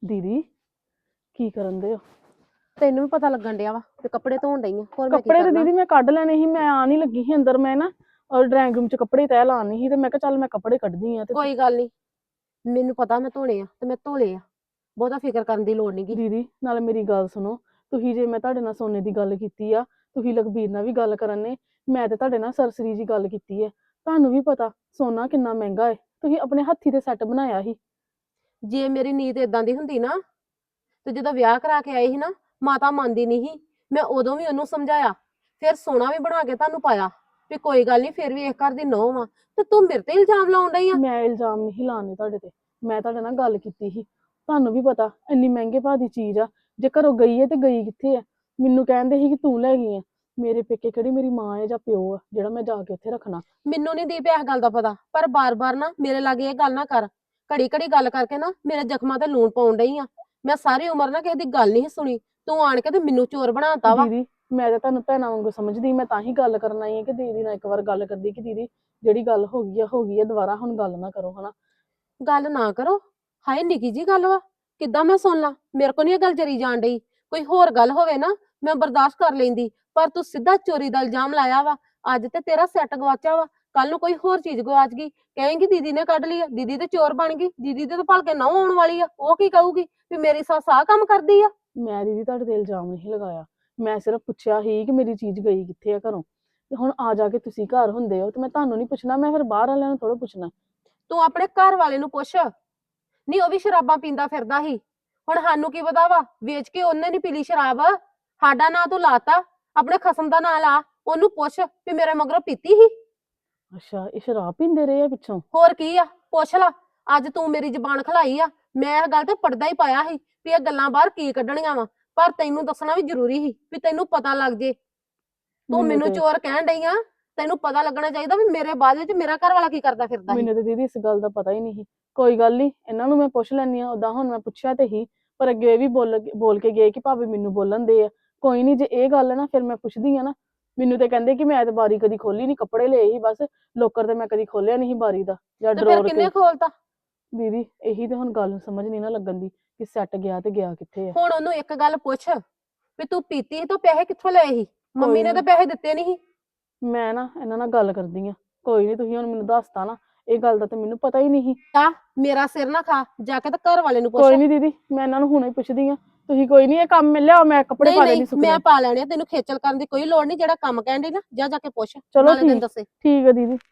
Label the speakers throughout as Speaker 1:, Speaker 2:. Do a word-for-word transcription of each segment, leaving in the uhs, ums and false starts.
Speaker 1: ਦੀਦੀ ਕੀ ਕਰਨ ਦੇ ਹੋ?
Speaker 2: ਤੈਨੂੰ ਵੀ ਪਤਾ ਲੱਗਣ ਡਿਆ ਵਾ ਤੇ ਕੱਪੜੇ ਧੋਣ ਡਈ ਆ। ਹੋਰ ਮੈਂ ਕੀ
Speaker 1: ਕੱਪੜੇ ਤੇ
Speaker 2: ਕਰਨਾ?
Speaker 1: ਦੀਦੀ ਮੈਂ ਕੱਢ ਲੈਣੇ ਸੀ, ਮੈਂ ਆ ਨਹੀਂ ਲੱਗੀ ਸੀ ਅੰਦਰ। ਮੈਂ ਨਾ ਔਰ ਡਰਾਇੰਗ ਰੂਮ ਚ ਕੱਪੜੇ ਤੈਅ ਲਾਉਣੇ ਸੀ ਤੇ ਮੈਂ ਕਿਹਾ ਚੱਲ ਮੈਂ ਕੱਪੜੇ ਕੱਢਦੀ ਆ। ਤੇ
Speaker 2: ਕੋਈ ਗੱਲ ਨਹੀਂ, ਮੈਨੂੰ ਪਤਾ ਮੈਂ ਧੋਣੇ ਆ ਤੇ ਮੈਂ ਧੋ ਲਏ ਆ। ਬਹੁਤਾ ਫਿਕਰ ਕਰਨ ਦੀ ਲੋੜ ਨਹੀਂਗੀ।
Speaker 1: ਦੀਦੀ ਨਾਲ ਮੇਰੀ ਗੱਲ ਸੁਣੋ, ਤੁਸੀਂ ਜੇ ਮੈਂ ਤੁਹਾਡੇ ਨਾਲ ਸੋਨੇ ਦੀ ਗੱਲ ਕੀਤੀ ਆ, ਤੁਸੀਂ ਲਖਬੀਰ ਨਾਲ ਵੀ ਗੱਲ ਕਰਨ ਨੇ, ਮੈਂ ਤੇ ਤੁਹਾਡੇ ਨਾਲ ਸਰਸਰੀ ਜੀ ਗੱਲ ਕੀਤੀ ਹੈ। ਤੁਹਾਨੂੰ ਵੀ ਪਤਾ ਸੋਨਾ ਕਿੰਨਾ ਮਹਿੰਗਾ ਹੈ, ਤੁਸੀਂ ਆਪਣੇ ਹੱਥੀ ਤੇ ਸੈੱਟ ਬਣਾਇਆ ਸੀ।
Speaker 2: ਜੇ ਮੇਰੀ ਨੀਤ ਇਦਾਂ ਦੀ ਹੁੰਦੀ ਨਾ ਤੇ ਜਦੋਂ ਵਿਆਹ ਕਰਾ ਕੇ ਆਈ ਸੀ ਨਾ, ਮਾਤਾ ਮੰਨਦੀ ਨਹੀਂ ਸੀ। ਮੈਂ ਉਦੋਂ ਵੀ ਉਹਨੂੰ ਸਮਝਾਇਆ, ਫਿਰ ਸੋਨਾ ਵੀ ਬਣਾ ਕੇ ਤੁਹਾਨੂੰ ਪਾਇਆ ਵੀ ਕੋਈ ਗੱਲ ਨਹੀਂ, ਫਿਰ ਵੀ ਇਸ ਘਰ ਦੀ ਨੂੰਹ ਵਾ। ਤੇ ਤੂੰ ਮੇਰੇ ਤੇ ਇਲਜ਼ਾਮ ਲਾਉਣ ਡਈ ਆ।
Speaker 1: ਮੈਂ ਇਲਜ਼ਾਮ ਨਹੀਂ ਲਾਉਣੇ ਤੁਹਾਡੇ ਤੇ, ਮੈਂ ਤੁਹਾਡੇ ਨਾਲ ਗੱਲ ਕੀਤੀ ਸੀ। ਤੁਹਾਨੂੰ ਵੀ ਪਤਾ ਇੰਨੀ ਮਹਿੰਗੇ ਭਾਅ ਦੀ ਚੀਜ਼ ਆ, ਜੇ ਘਰੋਂ ਗਈ ਹੈ ਤੇ ਗਈ ਕਿੱਥੇ ਆ? ਮੈਨੂੰ ਕਹਿੰਦੇ ਸੀ ਕਿ ਤੂੰ ਲੈ ਗਈ ਆ। ਮੇਰੇ ਪੇਕੇ ਕਿਹੜੀ ਮੇਰੀ ਮਾਂ ਹੈ ਜਾਂ ਪਿਓ ਆ ਜਿਹੜਾ ਮੈਂ ਜਾ ਕੇ ਉੱਥੇ ਰੱਖਣਾ?
Speaker 2: ਮੈਨੂੰ ਨਹੀਂ ਦੀਪ ਇਸ ਗੱਲ ਦਾ ਪਤਾ, ਪਰ ਬਾਰ-ਬਾਰ ਨਾ ਮੇਰੇ ਲਾਗੇ ਇਹ ਗੱਲ ਨਾ ਕਰ। ਘੜੀ ਘੜੀ ਗੱਲ ਕਰਕੇ ਨਾ ਮੇਰੇ ਜ਼ਖਮਾਂ ਤੇ ਲੂਣ ਪਾਉਣ ਡਈ ਆ। ਮੈਂ ਸਾਰੀ ਉਮਰ ਨਾ ਕਿਸੇ ਦੀ ਗੱਲ ਨਹੀਂ ਸੁਣੀ, ਤੂੰ ਆਣ ਕੇ ਤੇ ਮੈਨੂੰ ਚੋਰ ਬਣਾਤਾ ਵਾ।
Speaker 1: ਦੀਦੀ ਮੈਂ ਤਾਂ ਤੁਹਾਨੂੰ ਭੈਣਾਂ ਵਾਂਗੂ ਸਮਝਦੀ, ਮੈਂ ਤਾਂ ਹੀ ਗੱਲ ਕਰਨ ਆਈ ਹਾਂ ਕਿ ਦੀਦੀ ਨਾਲ ਇੱਕ ਵਾਰ ਗੱਲ ਕਰਦੀ ਕਿ ਦੀਦੀ ਜਿਹੜੀ ਗੱਲ ਹੋ ਗਈ ਆ ਹੋ ਗਈ ਆ, ਦੁਬਾਰਾ ਹੁਣ ਗੱਲ ਨਾ ਕਰੋ ਹਨਾ।
Speaker 2: ਗੱਲ ਨਾ ਕਰੋ? ਹਾਏ ਨਿੱਕੀ ਜੀ ਗੱਲ ਵਾ, ਕਿੱਦਾਂ ਮੈਂ ਸੁਣ ਲਾਂ? ਮੇਰੇ ਕੋ ਨਹੀਂ ਇਹ ਗੱਲ ਜਰੀ ਜਾਣ ਡਈ। ਕੋਈ ਹੋਰ ਗੱਲ ਹੋਵੇ ਨਾ ਮੈਂ ਬਰਦਾਸ਼ਤ ਕਰ ਲੈਂਦੀ, ਪਰ ਤੂੰ ਸਿੱਧਾ ਚੋਰੀ ਦਾ ਇਲਜ਼ਾਮ ਲਾਇਆ ਵਾ। ਅੱਜ ਤੇ ਤੇਰਾ ਸੈੱਟ ਗਵਾਚਿਆ ਵਾ, ਕੱਲ ਨੂੰ ਕੋਈ ਹੋਰ ਚੀਜ਼ ਗਵਾਚ ਗਈ, ਕਹੇਂਗੀ ਦੀਦੀ ਨੇ ਕੱਢ ਲਈ ਆ, ਦੀਦੀ ਤੇ ਚੋਰ ਬਣ ਗਈ, ਦੀਦੀ ਤੇ ਤਾਂ ਭਲਕੇ ਨਹੁੰ ਆਉਣ ਵਾਲੀ ਆ, ਉਹ ਕੀ ਕਹੂਗੀ ਵੀ ਮੇਰੀ ਸੱਸ ਆਹ ਕੰਮ ਕਰਦੀ ਆ।
Speaker 1: ਮੈਂ ਦੀਦੀ ਤੁਹਾਡੇ ਤੇ ਇਲਜ਼ਾਮ ਨਹੀਂ ਲਗਾਇਆ, ਮੈਂ ਸਿਰਫ ਪੁੱਛਿਆ ਸੀ ਕਿ ਮੇਰੀ ਚੀਜ਼ ਗਈ ਕਿੱਥੇ ਆ ਘਰੋਂ। ਤੇ ਹੁਣ ਆ ਜਾ ਕੇ ਤੁਸੀਂ ਘਰ ਹੁੰਦੇ ਹੋ ਤੇ ਮੈਂ ਤੁਹਾਨੂੰ ਨਹੀਂ ਪੁੱਛਣਾ, ਮੈਂ ਫਿਰ ਬਾਹਰ ਵਾਲਿਆਂ ਨੂੰ ਥੋੜਾ ਪੁੱਛਣਾ।
Speaker 2: ਤੂੰ ਆਪਣੇ ਘਰ ਵਾਲੇ ਨੂੰ ਪੁੱਛ। ਨਹੀਂ ਉਹ ਵੀ ਸ਼ਰਾਬਾਂ ਪੀਂਦਾ ਫਿਰਦਾ ਸੀ, ਹੁਣ ਸਾਨੂੰ ਕੀ ਪਤਾ ਵਾ, ਵੇਚ ਕੇ ਉਹਨੇ ਨਹੀਂ ਪੀਲੀ ਸ਼ਰਾਬ। ਸਾਡਾ ਨਾਂ ਤੂੰ ਲਾਤਾ, ਆਪਣੇ ਖਸਮ ਦਾ ਨਾਂ ਲਾ। ਉਹਨੂੰ ਪੁੱਛ ਵੀ ਮੇਰੇ ਮਗਰੋਂ ਪੀਤੀ ਸੀ।
Speaker 1: ਅੱਛਾ ਇਹ ਸ਼ਰਾਬ ਪੀਂਦੇ ਰਹੇ ਆ ਪਿੱਛੋਂ?
Speaker 2: ਹੋਰ ਕੀ ਆ, ਪੁੱਛ ਲਾ। ਅੱਜ ਤੂੰ ਮੇਰੀ ਜ਼ਬਾਨ ਖਲਾਈ ਆ, ਮੈਂ ਇਹ ਗੱਲ ਤੇ ਪਰਦਾ ਹੀ ਪਾਇਆ ਸੀ ਵੀ ਇਹ ਗੱਲਾਂ ਬਾਹਰ ਕੀ ਕੱਢਣੀਆਂ ਵਾ, ਪਰ ਤੈਨੂੰ ਦੱਸਣਾ ਵੀ ਜ਼ਰੂਰੀ ਸੀ ਵੀ ਤੈਨੂੰ ਪਤਾ ਲੱਗ ਜੇ। ਤੂੰ
Speaker 1: ਮੈਨੂੰ
Speaker 2: ਮੈਨੂੰ
Speaker 1: ਤੇ
Speaker 2: ਚੋਰ ਕਹਿਣ ਡਈ ਆ, ਤੈਨੂੰ ਪਤਾ ਲੱਗਣਾ ਚਾਹੀਦਾ ਵੀ ਮੇਰੇ ਬਾਅਦ ਵਿੱਚ ਮੇਰਾ ਘਰ ਵਾਲਾ ਕੀ ਕਰਦਾ ਫਿਰਦਾ ਸੀ।
Speaker 1: ਮੈਨੂੰ ਤੇ ਦੀਦੀ ਇਸ ਗੱਲ ਦਾ ਪਤਾ ਹੀ ਨਹੀਂ ਸੀ। ਕੋਈ ਗੱਲ ਨਹੀਂ, ਇਹਨਾਂ ਨੂੰ ਮੈਂ ਪੁੱਛ ਲੈਣੀ ਆ। ਉਦਾਂ ਹੁਣ ਮੈਂ ਪੁੱਛਿਆ ਤੇ ਹੀ, ਪਰ ਅੱਗੇ ਇਹ ਵੀ ਬੋਲ ਬੋਲ ਕੇ ਗਏ ਕਿ ਭਾਵੇਂ ਮੈਨੂੰ ਬੋਲਣ ਦੇ ਆ। ਕੋਈ ਨਹੀਂ, ਜੇ ਇਹ ਗੱਲ ਹੈ ਨਾ ਫਿਰ ਮੈਂ ਪੁੱਛਦੀ ਆ ਨਾ। ਮੈਨੂੰ ਤੇ ਕਹਿੰਦੇ ਕਿ ਮੈਂ ਤੇ ਬਾਰੀ ਕਦੀ ਖੋਲੀ ਨਹੀਂ, ਕੱਪੜੇ ਲਏ ਹੀ ਬਸ, ਲੋਕਰ ਤੇ ਮੈਂ ਕਦੀ ਖੋਲਿਆ ਨਹੀਂ ਬਾਰੀ ਦਾ ਜਾਂ
Speaker 2: ਤੇ ਫਿਰ
Speaker 1: ਡਰੋਰ
Speaker 2: ਕਿੰਨੇ
Speaker 1: ਕੇ।
Speaker 2: ਖੋਲਤਾ?
Speaker 1: ਦੀਦੀ ਇਹੀ ਤੇ ਹੁਣ ਗੱਲ ਸਮਝ ਨਹੀਂ ਨਾ ਲੱਗਣ ਦੀ ਕਿ ਸੈੱਟ ਗਿਆ ਤੇ ਗਿਆ ਕਿੱਥੇ ਆ।
Speaker 2: ਹੁਣ ਉਹਨੂੰ ਇੱਕ ਗੱਲ ਪੁੱਛ ਵੀ ਤੂੰ ਪੀਤੀ ਸੀ ਤਾਂ ਪੈਸੇ ਕਿੱਥੋਂ ਲਏ ਸੀ? ਮੰਮੀ
Speaker 1: ਕੋਈ
Speaker 2: ਨੇ ਤਾਂ
Speaker 1: ਨੀ,
Speaker 2: ਪੈਸੇ ਦਿੱਤੇ ਨਹੀਂ ਸੀ।
Speaker 1: ਮੈਂ ਨਾ ਇਹਨਾਂ ਨਾਲ ਗੱਲ ਕਰਦੀ ਆ। ਕੋਈ ਨਹੀਂ, ਤੁਸੀਂ ਹੁਣ ਮੈਨੂੰ ਦੱਸਤਾ ਨਾ, ਇਹ ਗੱਲ ਦਾ ਤੇ ਮੈਨੂੰ ਪਤਾ ਹੀ ਨਹੀਂ ਸੀ।
Speaker 2: ਆ ਮੇਰਾ ਸਿਰ ਨਾ ਖਾ, ਜਾ ਕੇ ਤਾਂ ਘਰ ਵਾਲੇ ਨੂੰ ਪੁੱਛ।
Speaker 1: ਕੋਈ ਨਹੀਂ ਦੀਦੀ, ਮੈਂ ਇਹਨਾਂ ਨੂੰ ਹੁਣੇ ਪੁੱਛਦੀ ਆ। ਤੁਸੀਂ ਕੋਈ ਨਹੀਂ, ਇਹ ਕੰਮ ਮਿਲ ਲਿਆ, ਮੈਂ ਕੱਪੜੇ
Speaker 2: ਨਹੀਂ
Speaker 1: ਪਾ
Speaker 2: ਨਹੀਂ
Speaker 1: ਦੇਣੀ ਸੁੱਕਣੇ।
Speaker 2: ਮੈਂ ਪਾ ਲੈਣੇ ਆ, ਤੈਨੂੰ ਖੇਚਲ ਕਰਨ ਦੀ ਕੋਈ ਲੋੜ ਨਹੀਂ। ਜਿਹੜਾ ਕੰਮ ਕਹਿਣ ਡਈ ਨਾ, ਜਾ ਜਾ ਕੇ ਪੁੱਛ,
Speaker 1: ਚਲੋ
Speaker 2: ਨਾਲੇ ਤੈਨੂੰ
Speaker 1: ਠੀਕ
Speaker 2: ਦੱਸੇ।
Speaker 1: ਠੀਕ ਹੈ ਦੀਦੀ।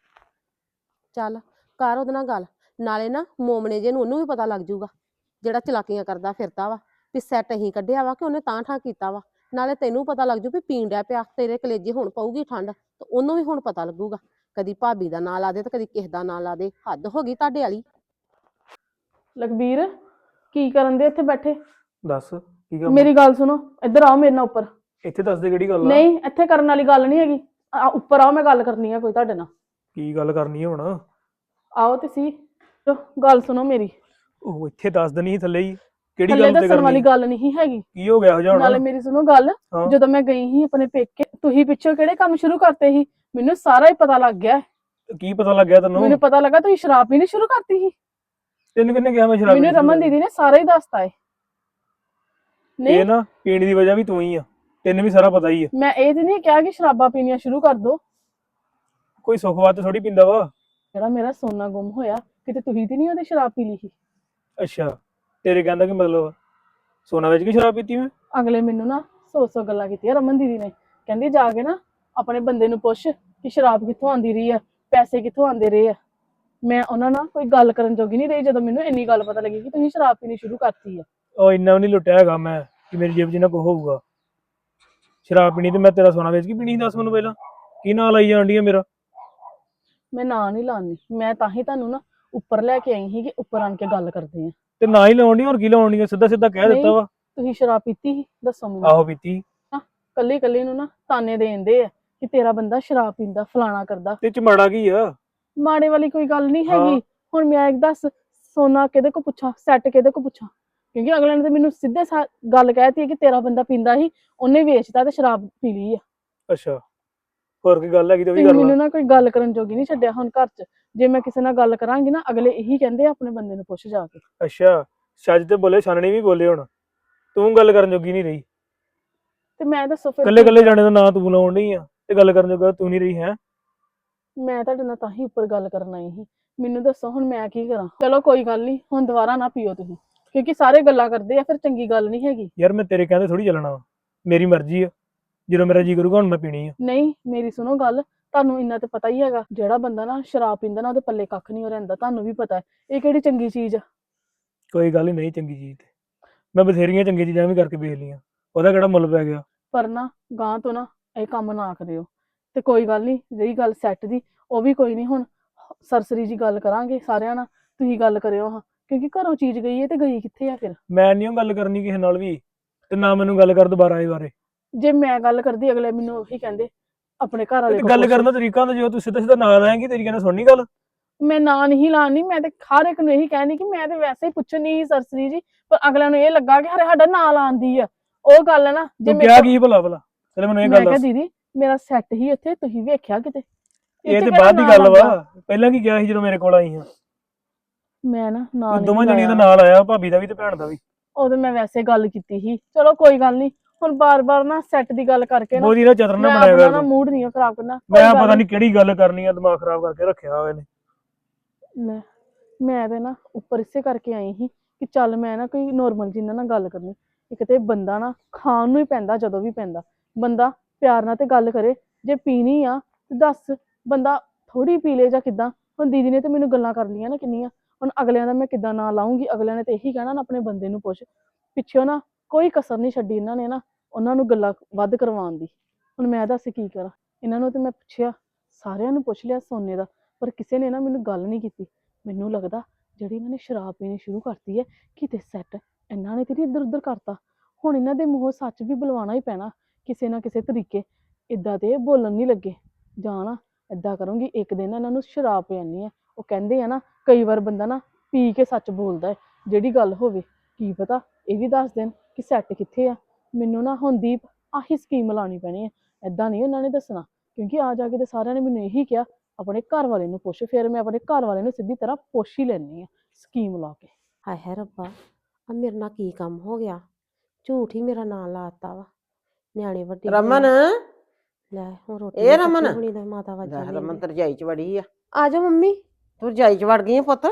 Speaker 2: ਚੱਲ ਕਰ ਉਹਦੇ ਨਾਲ ਗੱਲ, ਨਾਲੇ ਨਾ ਮੋਮਣੇ ਜੇ ਨੂੰ ਉਹਨੂੰ ਵੀ ਪਤਾ ਲੱਗ ਜਾਊਗਾ ਜਿਹੜਾ ਚਲਾਕੀਆਂ ਕਰਦਾ ਫਿਰਦਾ ਵਾ, ਵੀ ਸੈੱਟ ਅਸੀਂ ਕੱਢਿਆ ਵਾ ਕਿ ਉਹਨੇ ਤਾਂ ਠਾਂ ਕੀਤਾ ਵਾ। ਨਾਲੇ ਤੈਨੂੰ ਪਤਾ ਲੱਗ ਜੂ ਵੀ ਪੀਣ ਡਿਆ ਪਿਆ, ਤੇਰੇ ਕਲੇਜੇ ਹੁਣ ਪਊਗੀ ਠੰਡ, ਤੇ ਉਹਨੂੰ ਵੀ ਹੁਣ ਪਤਾ ਲੱਗੂਗਾ। ਕਦੀ ਭਾਬੀ ਦਾ ਨਾਂ ਲਾ ਦੇ ਤੇ ਕਦੀ ਕਿਸੇ ਦਾ ਨਾਂ ਲਾ ਦੇ, ਹੱਦ ਹੋ ਗਈ ਤੁਹਾਡੇ ਵਾਲੀ।
Speaker 1: ਲਖਬੀਰ ਕੀ ਕਰਨ ਦੇ ਇੱਥੇ ਬੈਠੇ?
Speaker 3: ਦੱਸ ਕੀ ਕੰਮ ਆ?
Speaker 1: ਮੇਰੀ ਗੱਲ ਸੁਣੋ, ਇੱਧਰ ਆਓ ਮੇਰੇ ਨਾਲ ਉੱਪਰ।
Speaker 3: ਇੱਥੇ ਦੱਸ ਦੇ ਕਿਹੜੀ ਗੱਲ ਆ?
Speaker 1: ਨਹੀਂ ਇੱਥੇ ਕਰਨ ਵਾਲੀ ਗੱਲ ਨਹੀਂ ਹੈਗੀ, ਆ ਉੱਪਰ ਆਓ, ਮੈਂ ਗੱਲ ਕਰਨੀ ਆ ਕੋਈ ਤੁਹਾਡੇ ਨਾਲ।
Speaker 3: ਕੀ ਗੱਲ ਕਰਨੀ ਹੈ ਹੁਣ?
Speaker 1: ਆਓ ਤੇ ਸੀ, ਚਲੋ ਗੱਲ ਸੁਣੋ ਮੇਰੀ।
Speaker 3: ਉਹ ਇੱਥੇ ਦੱਸ ਦੇਣੀ ਸੀ ਥੱਲੇ ਹੀ, ਕਿਹੜੀ
Speaker 1: ਥੱਲੇ
Speaker 3: ਗੱਲ ਤੇ
Speaker 1: ਦੱਸਣ ਵਾਲੀ
Speaker 3: ਕਰਨੀ?
Speaker 1: ਗੱਲ ਨਹੀਂ ਹੈਗੀ।
Speaker 3: ਕੀ ਹੋ ਗਿਆ ਹੋ ਜਾਣਾ?
Speaker 1: ਨਾਲੇ ਮੇਰੀ ਸੁਣੋ ਗੱਲ,
Speaker 3: ਹਾਂ।
Speaker 1: ਜਦੋਂ ਮੈਂ ਗਈ ਸੀ ਆਪਣੇ ਪੇਕੇ, ਤੁਸੀਂ ਪਿੱਛੋਂ ਕਿਹੜੇ ਕੰਮ ਸ਼ੁਰੂ ਕਰਤੇ ਸੀ? ਮੈਨੂੰ ਸਾਰਾ ਹੀ ਪਤਾ ਲੱਗ ਗਿਆ।
Speaker 3: ਕੀ ਪਤਾ ਲੱਗਿਆ ਤੈਨੂੰ?
Speaker 1: ਮੈਨੂੰ ਪਤਾ ਲੱਗਾ ਤੁਸੀਂ ਸ਼ਰਾਬ ਪੀਣੀ ਸ਼ੁਰੂ ਕਰਤੀ ਸੀ।
Speaker 3: ਤੈਨੂੰ ਕਿੰਨੇ ਕਿਹਾ ਮੈਂ ਸ਼ਰਾਬ
Speaker 1: ਮੈਨੂੰ
Speaker 3: ਪੀਣੀ ਸ਼ੁਰੂ
Speaker 1: ਰਮਨ
Speaker 3: ਕਰ
Speaker 1: ਦੀਦੀ ਨੇ ਸਾਰਾ ਹੀ ਦੱਸਤਾ ਏ।
Speaker 3: ਦਿੱਤੀ?
Speaker 1: ਨਹੀਂ
Speaker 3: ਇਹ ਨਾ ਪੀਣ ਦੀ ਵਜ੍ਹਾ ਵੀ ਤੂੰ ਹੀ ਆ, ਤੈਨੂੰ ਵੀ ਸਾਰਾ ਪਤਾ ਹੀ ਆ।
Speaker 1: ਮੈਂ ਇਹ ਤੇ ਨਹੀਂ ਕਿਹਾ ਕਿ ਸ਼ਰਾਬਾਂ ਪੀਣੀਆਂ ਸ਼ੁਰੂ ਕਰ ਦੋ।
Speaker 3: ਕੋਈ ਸੁੱਖ ਵਾਸਤੇ ਥੋੜੀ ਪੀਂਦਾ ਵਾ।
Speaker 1: ਜਿਹੜਾ ਮੇਰਾ ਸੋਨਾ ਗੁੰਮ ਹੋਇਆ, ਕਿਤੇ ਤੁਸੀਂ ਤੇ ਨਹੀਂ ਉਹਦੀ ਸ਼ਰਾਬ ਪੀ ਲਈ ਸੀ?
Speaker 3: ਅੱਛਾ, ਤੇਰੇ ਕਹਿੰਦਾ ਕੀ ਮਤਲਬ? ਸੋਨਾ ਵੇਚ ਕੇ ਸ਼ਰਾਬ ਪੀਤੀ ਮੈਂ?
Speaker 1: ਅਗਲੇ ਮੈਨੂੰ ਨਾ ਸੌ ਸੌ ਗੱਲਾਂ ਕੀਤੀਆਂ ਰਮਨ ਦੀਦੀ ਨੇ, ਕਹਿੰਦੀ ਜਾ ਕੇ ਨਾ ਆਪਣੇ ਬੰਦੇ ਨੂੰ ਪੁੱਛ ਕਿ ਸ਼ਰਾਬ ਕਿੱਥੋਂ ਆਂਦੀ ਰਹੀ ਆ, ਪੈਸੇ ਕਿੱਥੋਂ ਆਂਦੇ ਰਹੇ ਆ। ਮੈਂ ਉਹਨਾਂ ਨਾਲ ਕੋਈ ਗੱਲ ਕਰਨ ਜੋਗੀ ਨਹੀਂ ਰਹੀ ਜਦੋਂ ਮੈਨੂੰ ਇੰਨੀ ਗੱਲ ਪਤਾ ਲੱਗੀ ਕਿ ਤੁਸੀਂ ਸ਼ਰਾਬ ਪੀਣੀ ਸ਼ੁਰੂ ਕਰਤੀ ਆ।
Speaker 3: ਉਹ ਇੰਨਾ ਵੀ ਨਹੀਂ ਲੁੱਟਿਆ ਹੈਗਾ ਮੈਂ ਕਿ ਮੇਰੀ ਜੇਬ 'ਚ ਨਾ ਕੁਛ ਹੋਊਗਾ। ਸ਼ਰਾਬ ਪੀਣੀ ਤੇ ਮੈਂ ਤੇਰਾ ਸੋਨਾ ਵੇਚ ਕੇ ਪੀਣੀ ਸੀ? ਦੱਸ ਮੈਨੂੰ ਪਹਿਲਾਂ, ਕੀ ਨਾਂ ਲਾਈ ਜਾਣ ਡਈ ਆ ਮੇਰਾ?
Speaker 1: ਮੈਂ ਨਾਂ ਨਹੀਂ ਲਾਉਣੀ, ਮੈਂ ਤਾਂ ਹੀ ਤੁਹਾਨੂੰ ਨਾ ਉੱਪਰ ਲੈ ਕੇ ਆਈ ਸੀ ਕਿ ਉੱਪਰ ਆਣ ਕੇ ਗੱਲ ਕਰਦੇ ਆ।
Speaker 3: ਤੇ ਨਾ ਹੀ ਲਾਉਣ ਡਈ, ਹੋਰ ਕੀ ਲਾਉਣ ਡਈ ਆ? ਸਿੱਧਾ ਸਿੱਧਾ ਕਹਿ ਦਿੱਤਾ
Speaker 1: ਨਹੀਂ,
Speaker 3: ਵਾ।
Speaker 1: ਤੁਸੀਂ ਸ਼ਰਾਬ ਪੀਤੀ ਸੀ ਦੱਸੋ ਮੈਨੂੰ?
Speaker 3: ਆਹੋ ਪੀਤੀ।
Speaker 1: ਕੱਲੀ ਕੱਲੀ ਨੂੰ ਨਾ ਤਾਨੇ ਦੇਂਦੇ ਆ ਕਿ ਤੇਰਾ ਬੰਦਾ ਸ਼ਰਾਬ ਪੀਂਦਾ, ਫਲਾਣਾ ਕਰਦਾ।
Speaker 3: ਤੇ ਚ ਮਾੜਾ ਕੀ ਆ?
Speaker 1: ਮਾੜੇ ਵਾਲੀ ਕੋਈ ਗੱਲ ਨਹੀਂ
Speaker 3: ਹਾਂ।
Speaker 1: ਹੈਗੀ। ਹੁਣ ਮੈਂ ਇੱਕ ਦੱਸ, ਸੋਨਾ ਕਿਹਦੇ ਕੋ ਪੁੱਛਾਂ, ਸੈੱਟ ਕਿਹਦੇ ਕੋ ਪੁੱਛਾਂ? ਕਿਉਂਕਿ ਅਗਲੇ ਨੇ ਤੇ ਮੈਨੂੰ ਸਿੱਧੇ ਸਾ ਗੱਲ ਕਹਿਤੀ ਕਿ ਤੇਰਾ ਬੰਦਾ ਪੀਂਦਾ ਸੀ, ਉਹਨੇ ਵੇਚਤਾ ਤੇ ਸ਼ਰਾਬ ਪੀ ਲਈ ਆ।
Speaker 3: ਅੱਛਾ, ਹੋਰ ਕੀ ਗੱਲ ਹੈਗੀ ਤੇ ਉਹ ਵੀ
Speaker 1: ਤੁਸੀਂ
Speaker 3: ਕਰ ਲਾ।
Speaker 1: ਮੈਨੂੰ ਨਾ ਕੋਈ ਗੱਲ ਕਰਨ ਜੋਗੀ ਨਹੀਂ ਛੱਡਿਆ ਹੁਣ ਘਰ 'ਚ। ਜੇ ਮੈਂ ਕਿਸੇ ਨਾਲ ਗੱਲ ਕਰਾਂਗੀ ਨਾ, ਅਗਲੇ ਇਹੀ ਕਹਿੰਦੇ ਆ ਆਪਣੇ ਬੰਦੇ ਨੂੰ ਪੁੱਛ ਜਾ ਕੇ।
Speaker 3: ਅੱਛਾ, ਛੱਜ ਤੇ ਬੋਲੇ ਛਾਨਣੀ ਵੀ ਬੋਲੇ ਹੁਣ ਤੂੰ ਗੱਲ ਕਰਨ ਜੋਗੀ ਨਹੀਂ ਰਹੀ।
Speaker 1: ਤੇ ਮੈਂ ਦੱਸੋ ਫਿਰ
Speaker 3: ਕੱਲੇ
Speaker 1: ਕੀ
Speaker 3: ਕੱਲੇ
Speaker 1: ਕਰਾਂ?
Speaker 3: ਜਾਣੇ ਦਾ ਨਾਂ ਤੂੰ ਲਾਉਣ ਡਈ ਆ ਤੇ ਗੱਲ ਕਰਨ ਜੋਗਾ ਤੂੰ ਨਹੀਂ ਰਹੀ ਹੈ।
Speaker 1: ਮੈਂ ਤੁਹਾਡੇ ਨਾਲ ਤਾਂ ਹੀ ਉੱਪਰ ਗੱਲ ਕਰਨ ਆਈ ਸੀ। ਮੈਨੂੰ ਦੱਸੋ ਹੁਣ ਮੈਂ ਕੀ ਕਰਾਂ? ਚਲੋ ਕੋਈ ਗੱਲ ਨਹੀਂ, ਹੁਣ ਦੁਬਾਰਾ ਨਾ ਪੀਓ ਤੁਸੀਂ, ਕਿਉਂਕਿ ਸਾਰੇ ਗੱਲਾਂ ਕਰਦੇ ਆ ਫਿਰ ਚੰਗੀ ਗੱਲ ਨਹੀਂ ਹੈਗੀ।
Speaker 3: ਯਾਰ ਮੈਂ ਤੇਰੇ ਕਹਿੰਦੇ ਥੋੜੀ ਚੱਲਣਾ ਵਾ, ਮੇਰੀ ਮਰਜ਼ੀ ਆ, ਜਦੋਂ ਮੇਰਾ ਜੀ ਕਰੂਗਾ ਹੁਣ ਮੈਂ ਪੀਣੀ ਆ।
Speaker 1: ਨਹੀਂ ਮੇਰੀ ਸੁਣੋ ਗੱਲ, ਤੁਹਾਨੂੰ ਇੰਨਾ ਤੇ ਪਤਾ ਹੀ ਹੈਗਾ ਜਿਹੜਾ ਬੰਦਾ ਨਾ ਸ਼ਰਾਬ ਪੀਂਦਾ ਨਾ ਉਹਦੇ ਪੱਲੇ ਕੱਖ ਨਹੀਂ ਹੋ ਰਹਿੰਦਾ, ਤੁਹਾਨੂੰ ਵੀ ਪਤਾ ਹੈ ਇਹ ਕਿਹੜੀ ਚੰਗੀ ਚੀਜ਼ ਆ।
Speaker 3: ਕੋਈ ਗੱਲ ਹੀ ਨਹੀਂ ਚੰਗੀ ਚੀਜ਼ ਤੇ ਮੈਂ ਬਥੇਰੀਆਂ ਚੰਗੀਆਂ ਚੀਜ਼ਾਂ ਵੀ ਕਰਕੇ ਵੇਖ ਲਈਆਂ, ਉਹਦਾ ਕਿਹੜਾ ਮੁੱਲ ਪੈ ਗਿਆ।
Speaker 1: ਪਰ ਨਾ ਗਾਂ ਤੋਂ ਨਾ ਇਹ ਕੰਮ ਨਾ ਕਰਿਓ। ਤੇ ਕੋਈ ਗੱਲ ਨਹੀਂ, ਜਿਹੜੀ ਗੱਲ ਸੈੱਟ ਦੀ ਉਹ ਵੀ ਕੋਈ ਨਹੀਂ, ਹੁਣ ਸਰਸਰੀ ਜੀ ਗੱਲ ਕਰਾਂਗੇ ਸਾਰਿਆਂ ਨਾਲ, ਤੁਸੀਂ ਗੱਲ ਕਰਿਓ ਹਾਂ, ਕਿਉਂਕਿ ਘਰੋਂ ਚੀਜ਼ ਗਈ ਹੈ ਤੇ ਗਈ ਕਿੱਥੇ ਆ ਫਿਰ।
Speaker 3: ਮੈਂ ਨਹੀਂ ਉਹ ਗੱਲ ਕਰਨੀ ਕਿਸੇ ਨਾਲ ਵੀ, ਤੇ ਨਾ ਮੈਨੂੰ ਗੱਲ ਕਰ ਦੁਬਾਰਾ ਇਹ ਬਾਰੇ।
Speaker 1: ਜੇ ਮੈਂ ਗੱਲ ਕਰਦੀ ਅਗਲੇ ਮੈਨੂੰ ਉਹੀ ਕਹਿੰਦੇ ਆਪਣੇ ਘਰ ਵਾਲੇ
Speaker 3: ਤੇ
Speaker 1: ਕੋਲ
Speaker 3: ਗੱਲ
Speaker 1: ਪੁੱਛ।
Speaker 3: ਕਰਨ ਦਾ ਤਰੀਕਾ ਹੁੰਦਾ, ਜਦੋਂ ਤੂੰ ਸਿੱਧਾ ਸਿੱਧਾ ਨਾਂ ਲਾਏਂਗੀ ਤੇਰੀ ਕਹਿੰਦਾ ਸੁਣਨੀ ਗੱਲ।
Speaker 1: ਮੈਂ ਨਾਂ ਨਹੀਂ ਲਾਣੀ, ਮੈਂ ਤੇ ਹਰ ਇੱਕ ਨੂੰ ਇਹੀ ਕਹਿਣੀ ਕਿ ਮੈਂ ਤੇ ਵੈਸੇ ਹੀ ਪੁੱਛਣੀ ਸੀ ਸਰਸਰੀ ਜੀ, ਪਰ ਅਗਲਿਆਂ ਨੂੰ ਇਹ ਲੱਗਾ ਕਿ ਹਰੇ ਸਾਡਾ ਨਾਂ ਲਾਉਂਦੀ ਆ। ਉਹ ਗੱਲ ਹੈ ਨਾ, ਜੇ
Speaker 3: ਤੂੰ
Speaker 1: ਮੇਰੇ
Speaker 3: ਕਿਹਾ
Speaker 1: ਕੋਲ-
Speaker 3: ਕੀ ਭਲਾ ਭਲਾ ਚਲ ਮੈਨੂੰ ਇਹ
Speaker 1: ਮੈਂ
Speaker 3: ਗੱਲ
Speaker 1: ਕਿਹਾ
Speaker 3: ਦੱਸ।
Speaker 1: ਦੀਦੀ ਮੇਰਾ ਸੈੱਟ ਹੀ ਇੱਥੇ, ਤੁਸੀਂ ਵੇਖਿਆ ਕਿਤੇ?
Speaker 3: ਇਹ
Speaker 1: ਚ
Speaker 3: ਤੇ
Speaker 1: ਕਿਹੜਾ
Speaker 3: ਬਾਅਦ ਦੀ
Speaker 1: ਨਾਂ
Speaker 3: ਗੱਲ
Speaker 1: ਲੱਗਾ?
Speaker 3: ਵਾ, ਪਹਿਲਾਂ ਕੀ ਕਿਹਾ ਸੀ ਜਦੋਂ ਮੇਰੇ ਕੋਲ ਆਈ ਹਾਂ?
Speaker 1: ਮੈਂ ਨਾ ਨਾਂ
Speaker 3: ਤੂੰ
Speaker 1: ਨਹੀਂ
Speaker 3: ਦੋਵਾਂ ਜਣੀਆਂ ਦਾ
Speaker 1: ਲਾਇਆ,
Speaker 3: ਨਾਲ ਆਇਆ, ਭਾਬੀ ਦਾ ਵੀ ਤੇ ਭੈਣ ਦਾ ਵੀ।
Speaker 1: ਉਦੋਂ ਮੈਂ ਵੈਸੇ ਗੱਲ ਕੀਤੀ ਸੀ। ਚਲੋ ਕੋਈ ਗੱਲ ਨਹੀਂ, ਹੁਣ ਬਾਰ-ਬਾਰ ਨਾ ਸੈੱਟ ਦੀ ਗੱਲ ਕਰਕੇ ਨਾ
Speaker 3: ਬੋਦੀ ਦਾ ਚਤਰ ਨਾ
Speaker 1: ਮੈਂ
Speaker 3: ਬਣਾਇਆ
Speaker 1: ਆਪਣਾ
Speaker 3: ਕਰ
Speaker 1: ਨਾ
Speaker 3: ਤੂੰ।
Speaker 1: ਮੂਡ ਨਹੀਂ ਖਰਾਬ ਕਰਨਾ। ਕੋਈ
Speaker 3: ਮੈਂ
Speaker 1: ਗੱਲ
Speaker 3: ਪਤਾ
Speaker 1: ਨੀ।
Speaker 3: ਨਹੀਂ ਕਿਹੜੀ ਗੱਲ ਕਰਨੀ ਆ, ਦਿਮਾਗ ਖਰਾਬ ਕਰਕੇ ਰੱਖਿਆ ਹੋਇਆ ਇਹਨੇ।
Speaker 1: ਲੈ ਮੈਂ ਤੇ ਨਾ ਉੱਪਰ ਇਸੇ ਕਰਕੇ ਆਈ ਸੀ ਕਿ ਚੱਲ ਮੈਂ ਨਾ ਕੋਈ ਨੋਰਮਲ ਜਿੰਨਾ ਨਾਲ ਗੱਲ ਕਰਨੀ। ਇੱਕ ਤੇ ਬੰਦਾ ਨਾ ਖਾਣ ਨੂੰ ਹੀ ਪੈਂਦਾ, ਜਦੋਂ ਵੀ ਪੈਂਦਾ ਬੰਦਾ ਪਿਆਰ ਨਾਲ ਤੇ ਗੱਲ ਕਰੇ। ਜੇ ਪੀਣੀ ਆ ਤੇ ਦੱਸ, ਬੰਦਾ ਥੋੜੀ ਪੀ ਲੇ ਜਾਂ ਕਿੱਦਾਂ। ਹੁਣ ਦੀਦੀ ਨੇ ਤੇ ਮੈਨੂੰ ਗੱਲਾਂ ਕਰ ਲਈਆਂ ਨਾ ਕਿੰਨੀਆਂ, ਹੁਣ ਅਗਲਿਆਂ ਦਾ ਮੈਂ ਕਿੱਦਾਂ ਨਾਂ ਲਾਉਂਗੀ? ਅਗਲਿਆਂ ਨੇ ਤੇ ਇਹੀ ਕਹਿਣਾ ਨਾ ਆਪਣੇ ਬੰਦੇ ਨੂੰ ਪੁੱਛ। ਪਿੱਛੋਂ ਨਾ ਕੋਈ ਕਸਰ ਨਹੀਂ ਛੱਡੀ ਇਹਨਾਂ ਨੇ ਨਾ ਉਹਨਾਂ ਨੂੰ ਗੱਲਾਂ ਵੱਧ ਕਰਵਾਉਣ ਦੀ। ਹੁਣ ਮੈਂ ਦੱਸ ਕੀ ਕਰਾਂ? ਇਹਨਾਂ ਨੂੰ ਤੇ ਮੈਂ ਪੁੱਛਿਆ, ਸਾਰਿਆਂ ਨੂੰ ਪੁੱਛ ਲਿਆ ਸੋਨੇ ਦਾ, ਪਰ ਕਿਸੇ ਨੇ ਨਾ ਮੈਨੂੰ ਗੱਲ ਨਹੀਂ ਕੀਤੀ। ਮੈਨੂੰ ਲੱਗਦਾ ਜਿਹੜੀ ਇਹਨਾਂ ਨੇ ਸ਼ਰਾਬ ਪੀਣੀ ਸ਼ੁਰੂ ਕਰਤੀ ਹੈ, ਕਿਤੇ ਸੈੱਟ ਇਹਨਾਂ ਨੇ ਤੇ ਨਹੀਂ ਇੱਧਰ ਉੱਧਰ ਕਰਤਾ। ਹੁਣ ਇਹਨਾਂ ਦੇ ਮੂੰਹੋਂ ਸੱਚ ਵੀ ਬੁਲਵਾਉਣਾ ਹੀ ਪੈਣਾ ਕਿਸੇ ਨਾ ਕਿਸੇ ਤਰੀਕੇ। ਇੱਦਾਂ ਤੇ ਇਹ ਬੋਲਣ ਨਹੀਂ ਲੱਗੇ। ਜਾਂ ਨਾ ਏਦਾਂ ਕਰੂੰਗੀ, ਇੱਕ ਦਿਨ ਇਹਨਾਂ ਨੂੰ ਸ਼ਰਾਬ ਪਿਆਨੀ ਆ। ਉਹ ਕਹਿੰਦੇ ਆ ਨਾ ਕਈ ਵਾਰ ਬੰਦਾ ਨਾ ਪੀ ਕੇ ਸੱਚ ਬੋਲਦਾ ਹੈ, ਜਿਹੜੀ ਗੱਲ ਹੋਵੇ। ਕੀ ਪਤਾ ਇਹ ਵੀ ਦੱਸ ਦੇਣ ਕਿ ਸੈੱਟ ਕਿੱਥੇ ਆ। ਮੈਨੂੰ ਨਾ ਹੁਣ ਦੀਪ ਆਹੀ ਸਕੀਮ ਲਾਉਣੀ ਪੈਣੀ ਹੈ, ਏਦਾਂ ਨਹੀਂ ਉਹਨਾਂ ਨੇ ਦੱਸਣਾ। ਕਿਉਂਕਿ ਆ ਜਾ ਕੇ ਤੇ ਸਾਰਿਆਂ ਨੇ ਮੈਨੂੰ ਇਹੀ ਕਿਹਾ ਆਪਣੇ ਘਰ ਵਾਲੇ ਨੂੰ ਪੁੱਛ। ਫਿਰ ਮੈਂ ਆਪਣੇ ਘਰ ਵਾਲੇ ਨੂੰ ਸਿੱਧੀ ਤਰ੍ਹਾਂ ਪੁੱਛ ਹੀ ਲੈਣੀ ਆ ਸਕੀਮ ਲਾ ਕੇ।
Speaker 2: ਹਾਏ ਹਾਏ ਰੱਬਾ, ਆ ਮੇਰੇ ਨਾਲ ਕੀ ਕੰਮ ਹੋ ਗਿਆ? ਝੂਠ ਹੀ ਮੇਰਾ ਨਾਂ ਲਾਤਾ ਵਾ। ਨਿਆਣੇ ਵੱਡੇ ਹੋਏ
Speaker 4: ਰਮਨ
Speaker 2: ਆ। ਲੈ ਹੁਣ ਰੋਟੀ
Speaker 4: ਇਹ
Speaker 2: ਵੀ
Speaker 4: ਰਮਨ
Speaker 2: ਪੱਕੀ ਹੋਣੀ, ਦਾ ਮਾਤਾ ਵਾਜਾਂ
Speaker 4: ਲੈ ਰਮਨ
Speaker 2: ਦੇਂਦੇ।
Speaker 4: ਤੇ ਰਜਾਈ ਚ ਵੜੀ ਆ।
Speaker 2: ਆ ਜਾ ਮੰਮੀ।
Speaker 4: ਤੂੰ ਰਜਾਈ ਚ ਵੜ ਗਈ ਆ ਪੁੱਤ?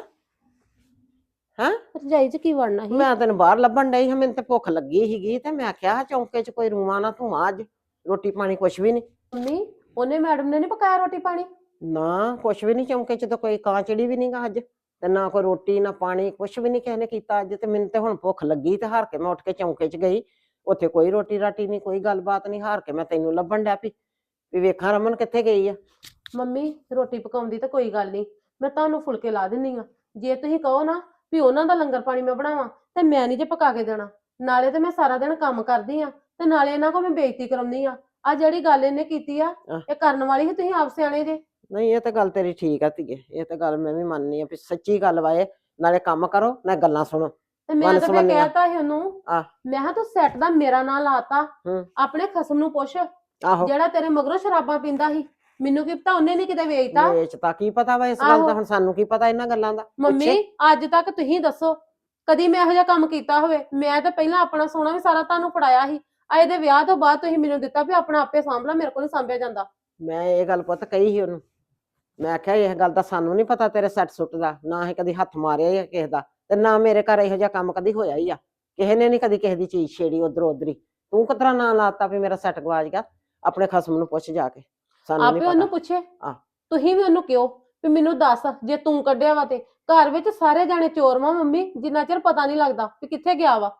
Speaker 4: ਹੈਂ?
Speaker 2: ਰਜਾਈ ਚ ਕੀ ਵੜਨਾ ਸੀ?
Speaker 4: ਮੈਂ ਤੈਨੂੰ ਬਾਹਰ ਲੱਭਣ ਡਈ ਹਾਂ, ਮੈਨੂੰ ਤੇ ਭੁੱਖ ਲੱਗੀ ਸੀਗੀ ਤੇ ਮੈਂ ਕਿਹਾ ਚੌਂਕੇ ਚ ਕੋਈ ਰੂਆ ਨਾ ਧੂਆਂ, ਅੱਜ ਰੋਟੀ ਪਾਣੀ ਕੁਛ ਵੀ ਨਹੀਂ।
Speaker 2: ਮੰਮੀ ਉਹਨੇ ਮੈਡਮ ਨੇ ਨੀ ਪਕਾਇਆ ਰੋਟੀ ਪਾਣੀ?
Speaker 4: ਨਾ ਕੁਛ ਵੀ ਨਹੀਂ, ਚੌਂਕੇ ਚ ਤਾਂ ਕੋਈ ਕਾਂ ਚਿੜੀ ਵੀ ਨਹੀਂਗਾ ਅੱਜ, ਤੇ ਨਾ ਕੋਈ ਰੋਟੀ ਨਾ ਪਾਣੀ, ਕੁਛ ਵੀ ਨਹੀਂ ਕਿਸੇ ਨੇ ਕੀਤਾ ਅੱਜ। ਤੇ ਮੈਨੂੰ ਤੇ ਹੁਣ ਭੁੱਖ ਲੱਗੀ ਤੇ ਹਾਰ ਕੇ ਮੈਂ ਉੱਠ ਕੇ ਚੌਂਕੇ ਚ ਗਈ, ਉੱਥੇ ਕੋਈ ਰੋਟੀ ਰਾਟੀ ਨਹੀਂ, ਕੋਈ ਗੱਲਬਾਤ ਨਹੀਂ। ਹਾਰ ਕੇ ਮੈਂ ਤੈਨੂੰ ਲੱਭਣ ਡਿਆ ਪਈ ਵੀ ਵੇਖਾਂ ਰਮਨ ਕਿੱਥੇ ਗਈ ਆ।
Speaker 2: ਮੰਮੀ ਰੋਟੀ ਪਕਾਉਂਦੀ ਤਾਂ ਕੋਈ ਗੱਲ ਨਹੀਂ, ਮੈਂ ਤੁਹਾਨੂੰ ਫੁਲਕੇ ਲਾ ਦਿੰਨੀ ਆ। ਜੇ ਤੁਸੀਂ ਕਹੋ ਨਾ ਵੀ ਉਹਨਾਂ ਦਾ ਲੰਗਰ ਪਾਣੀ ਮੈਂ ਬਣਾਵਾਂ, ਤੇ ਮੈਂ ਨਹੀਂ ਜੇ ਪਕਾ ਕੇ ਦੇਣਾ। ਨਾਲੇ ਤੇ ਮੈਂ ਸਾਰਾ ਦਿਨ ਕੰਮ ਕਰਦੀ ਆ, ਤੇ ਨਾਲੇ ਇਹਨਾਂ ਕੋਲ ਮੈਂ ਬੇਇੱਜ਼ਤੀ ਕਰਾਉਂਦੀ ਆ। ਆ ਜਿਹੜੀ ਗੱਲ ਇਹਨੇ ਕੀਤੀ ਆ, ਇਹ ਕਰਨ ਵਾਲੀ ਸੀ, ਤੁਸੀਂ ਆਪ ਸਿਆਣੇ ਜੇ।
Speaker 4: ਨਹੀਂ ਇਹ ਤਾਂ ਗੱਲ ਤੇਰੀ ਠੀਕ ਆ ਧੀਏ, ਇਹ ਤਾਂ ਗੱਲ ਮੈਂ ਵੀ ਮੰਨਨੀ ਆ ਵੀ ਸੱਚੀ ਗੱਲ ਵਾ ਇਹ। ਨਾਲੇ ਕੰਮ ਕਰੋ ਨਾ ਗੱਲਾਂ ਸੁਣੋ।
Speaker 2: ਤੇ ਮੈਂ
Speaker 4: ਵੰਨ
Speaker 2: ਤਾਂ ਫਿਰ
Speaker 4: ਸੁਵੰਨੀਆਂ।
Speaker 2: ਕਹਿਤਾ ਸੀ ਉਹਨੂੰ,
Speaker 4: ਆਹ।
Speaker 2: ਮੈਂ ਕਿਹਾ ਤੂੰ ਸੈੱਟ ਦਾ ਮੇਰਾ ਨਾਂ ਲਾਤਾ,
Speaker 4: ਹੂੰ।
Speaker 2: ਆਪਣੇ ਖਸਮ ਨੂੰ ਪੁੱਛ
Speaker 4: ਆਹੋ
Speaker 2: ਜਿਹੜਾ ਤੇਰੇ ਮਗਰੋਂ ਸ਼ਰਾਬਾਂ ਪੀਂਦਾ ਸੀ। ਮੈਨੂੰ ਕੀ ਪਤਾ ਉਹਨੇ ਨੀ ਕਿਤੇ ਵੇਚਤਾ।
Speaker 4: ਵੇਚਤਾ, ਕੀ ਪਤਾ ਵਾ ਇਸ ਗੱਲ ਦਾ,
Speaker 2: ਆਹੋ।
Speaker 4: ਹੁਣ ਸਾਨੂੰ ਕੀ ਪਤਾ ਇਹਨਾਂ ਗੱਲਾਂ ਦਾ।
Speaker 2: ਮੰਮੀ
Speaker 4: ਪੁੱਛੇ।
Speaker 2: ਅੱਜ ਤੱਕ ਤੁਸੀਂ ਦੱਸੋ ਕਦੀ ਮੈਂ ਇਹੋ ਜਿਹਾ ਕੰਮ ਕੀਤਾ ਹੋਵੇ? ਮੈਂ ਤਾਂ ਪਹਿਲਾਂ ਆਪਣਾ ਸੋਨਾ ਵੀ ਸਾਰਾ ਤੁਹਾਨੂੰ ਫੜਾਇਆ ਸੀ, ਆ ਇਹਦੇ ਵਿਆਹ ਤੋਂ ਬਾਅਦ ਤੁਸੀਂ ਮੈਨੂੰ ਦਿੱਤਾ ਵੀ ਆਪਣਾ ਆਪੇ ਸਾਂਭ ਲਾ, ਮੇਰੇ ਕੋਲ ਨਹੀਂ ਸਾਂਭਿਆ ਜਾਂਦਾ।
Speaker 4: ਮੈਂ ਇਹ ਗੱਲ ਪੁੱਤ ਕਹੀ ਸੀ ਉਹਨੂੰ, ਮੈਂ ਆਖਿਆ ਇਹ ਗੱਲ ਦਾ ਸਾਨੂੰ ਨਹੀਂ ਪਤਾ ਤੇਰੇ ਸੱਟ ਸੁੱਟ ਦਾ, ਨਾ ਹੀ ਕਦੀ ਹੱਥ ਮਾਰਿਆ ਹੀ ਆ ਕਿਸੇ ਦਾ, ਤੇ ਨਾ ਮੇਰੇ ਘਰ ਇਹੋ ਜਿਹਾ ਕੰਮ ਕਦੀ ਹੋਇਆ ਹੀ ਆ। ਕਿਸੇ ਨੇ ਨੀ ਕਦੀ ਕਿਸੇ ਦੀ ਚੀਜ਼ ਛੇੜੀ ਉਧਰੋਂ ਉਧਰੀ। ਤੂੰ ਕਿਤਰਾ ਨਾਂ ਲਾਤਾ ਵੀ ਮੇਰਾ ਸੈੱਟ ਗਵਾਚ ਗਿਆ? ਆਪਣੇ ਖਸਮ ਨੂੰ ਪੁੱਛ ਜਾ ਕੇ, ਸਾਨੂੰ ਨੀ
Speaker 2: ਆਪੇ ਉਹਨੂੰ
Speaker 4: ਪਤਾ।
Speaker 2: ਪੁੱਛੇ।
Speaker 4: ਆਹ।
Speaker 2: ਤੁਸੀਂ ਵੀ ਉਹਨੂੰ ਕਿਉਂ ਵੀ ਮੈਨੂੰ ਦੱਸ, ਜੇ ਤੂੰ ਕੱਢਿਆ ਵਾ ਤੇ ਘਰ ਵਿੱਚ ਸਾਰੇ ਜਾਣੇ ਚੋਰ ਵਾ ਮੰਮੀ, ਜਿੰਨਾ ਚਿਰ ਪਤਾ ਨਹੀਂ ਲੱਗਦਾ ਵੀ ਕਿੱਥੇ ਗਿਆ ਵਾ।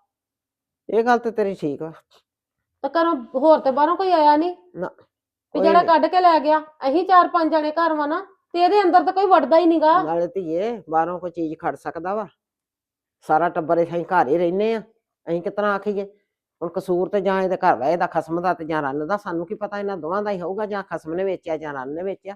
Speaker 4: ਇਹ ਗੱਲ ਤੇ ਤੇਰੀ ਠੀਕ ਵਾ।
Speaker 2: ਤਾਂ ਘਰੋਂ ਹੋਰ ਤੇ ਬਾਹਰੋਂ ਕੋਈ ਆਇਆ ਨਹੀਂ
Speaker 4: ਨਾ
Speaker 2: ਵੀ
Speaker 4: ਕੋਈ
Speaker 2: ਜਿਹੜਾ
Speaker 4: ਨੀ।
Speaker 2: ਕੱਢ ਕੇ ਲੈ ਗਿਆ। ਅਸੀਂ ਚਾਰ ਪੰਜ ਜਾਣੇ ਘਰ ਵਾ ਨਾ, ਤੇ ਇਹਦੇ ਅੰਦਰ ਤਾਂ ਕੋਈ ਵੜਦਾ ਹੀ ਨਹੀਂਗਾ।
Speaker 4: ਨਾਲੇ ਧੀਏ ਬਾਹਰੋਂ ਕੋਈ ਚੀਜ਼ ਖੜ ਸਕਦਾ ਵਾ? ਸਾਰਾ ਟੱਬਰ ਅਸੀਂ ਘਰ ਹੀ ਰਹਿੰਦੇ ਆ, ਅਸੀਂ ਕਿਤਨਾ ਆਖੀਏ? ਹੁਣ ਕਸੂਰ ਤੇ ਜਾਂ ਇਹਦੇ ਘਰ ਵਾ ਇਹਦਾ ਖਸਮ ਦਾ ਤੇ ਜਾਂ ਰੰਨ ਦਾ, ਸਾਨੂੰ ਕੀ ਪਤਾ? ਇਹਨਾਂ ਦੋਵਾਂ ਦਾ ਹੀ ਹੋਊਗਾ, ਜਾਂ ਖਸਮ ਨੇ ਵੇਚਿਆ ਜਾਂ ਰੰਨ ਨੇ ਵੇਚਿਆ।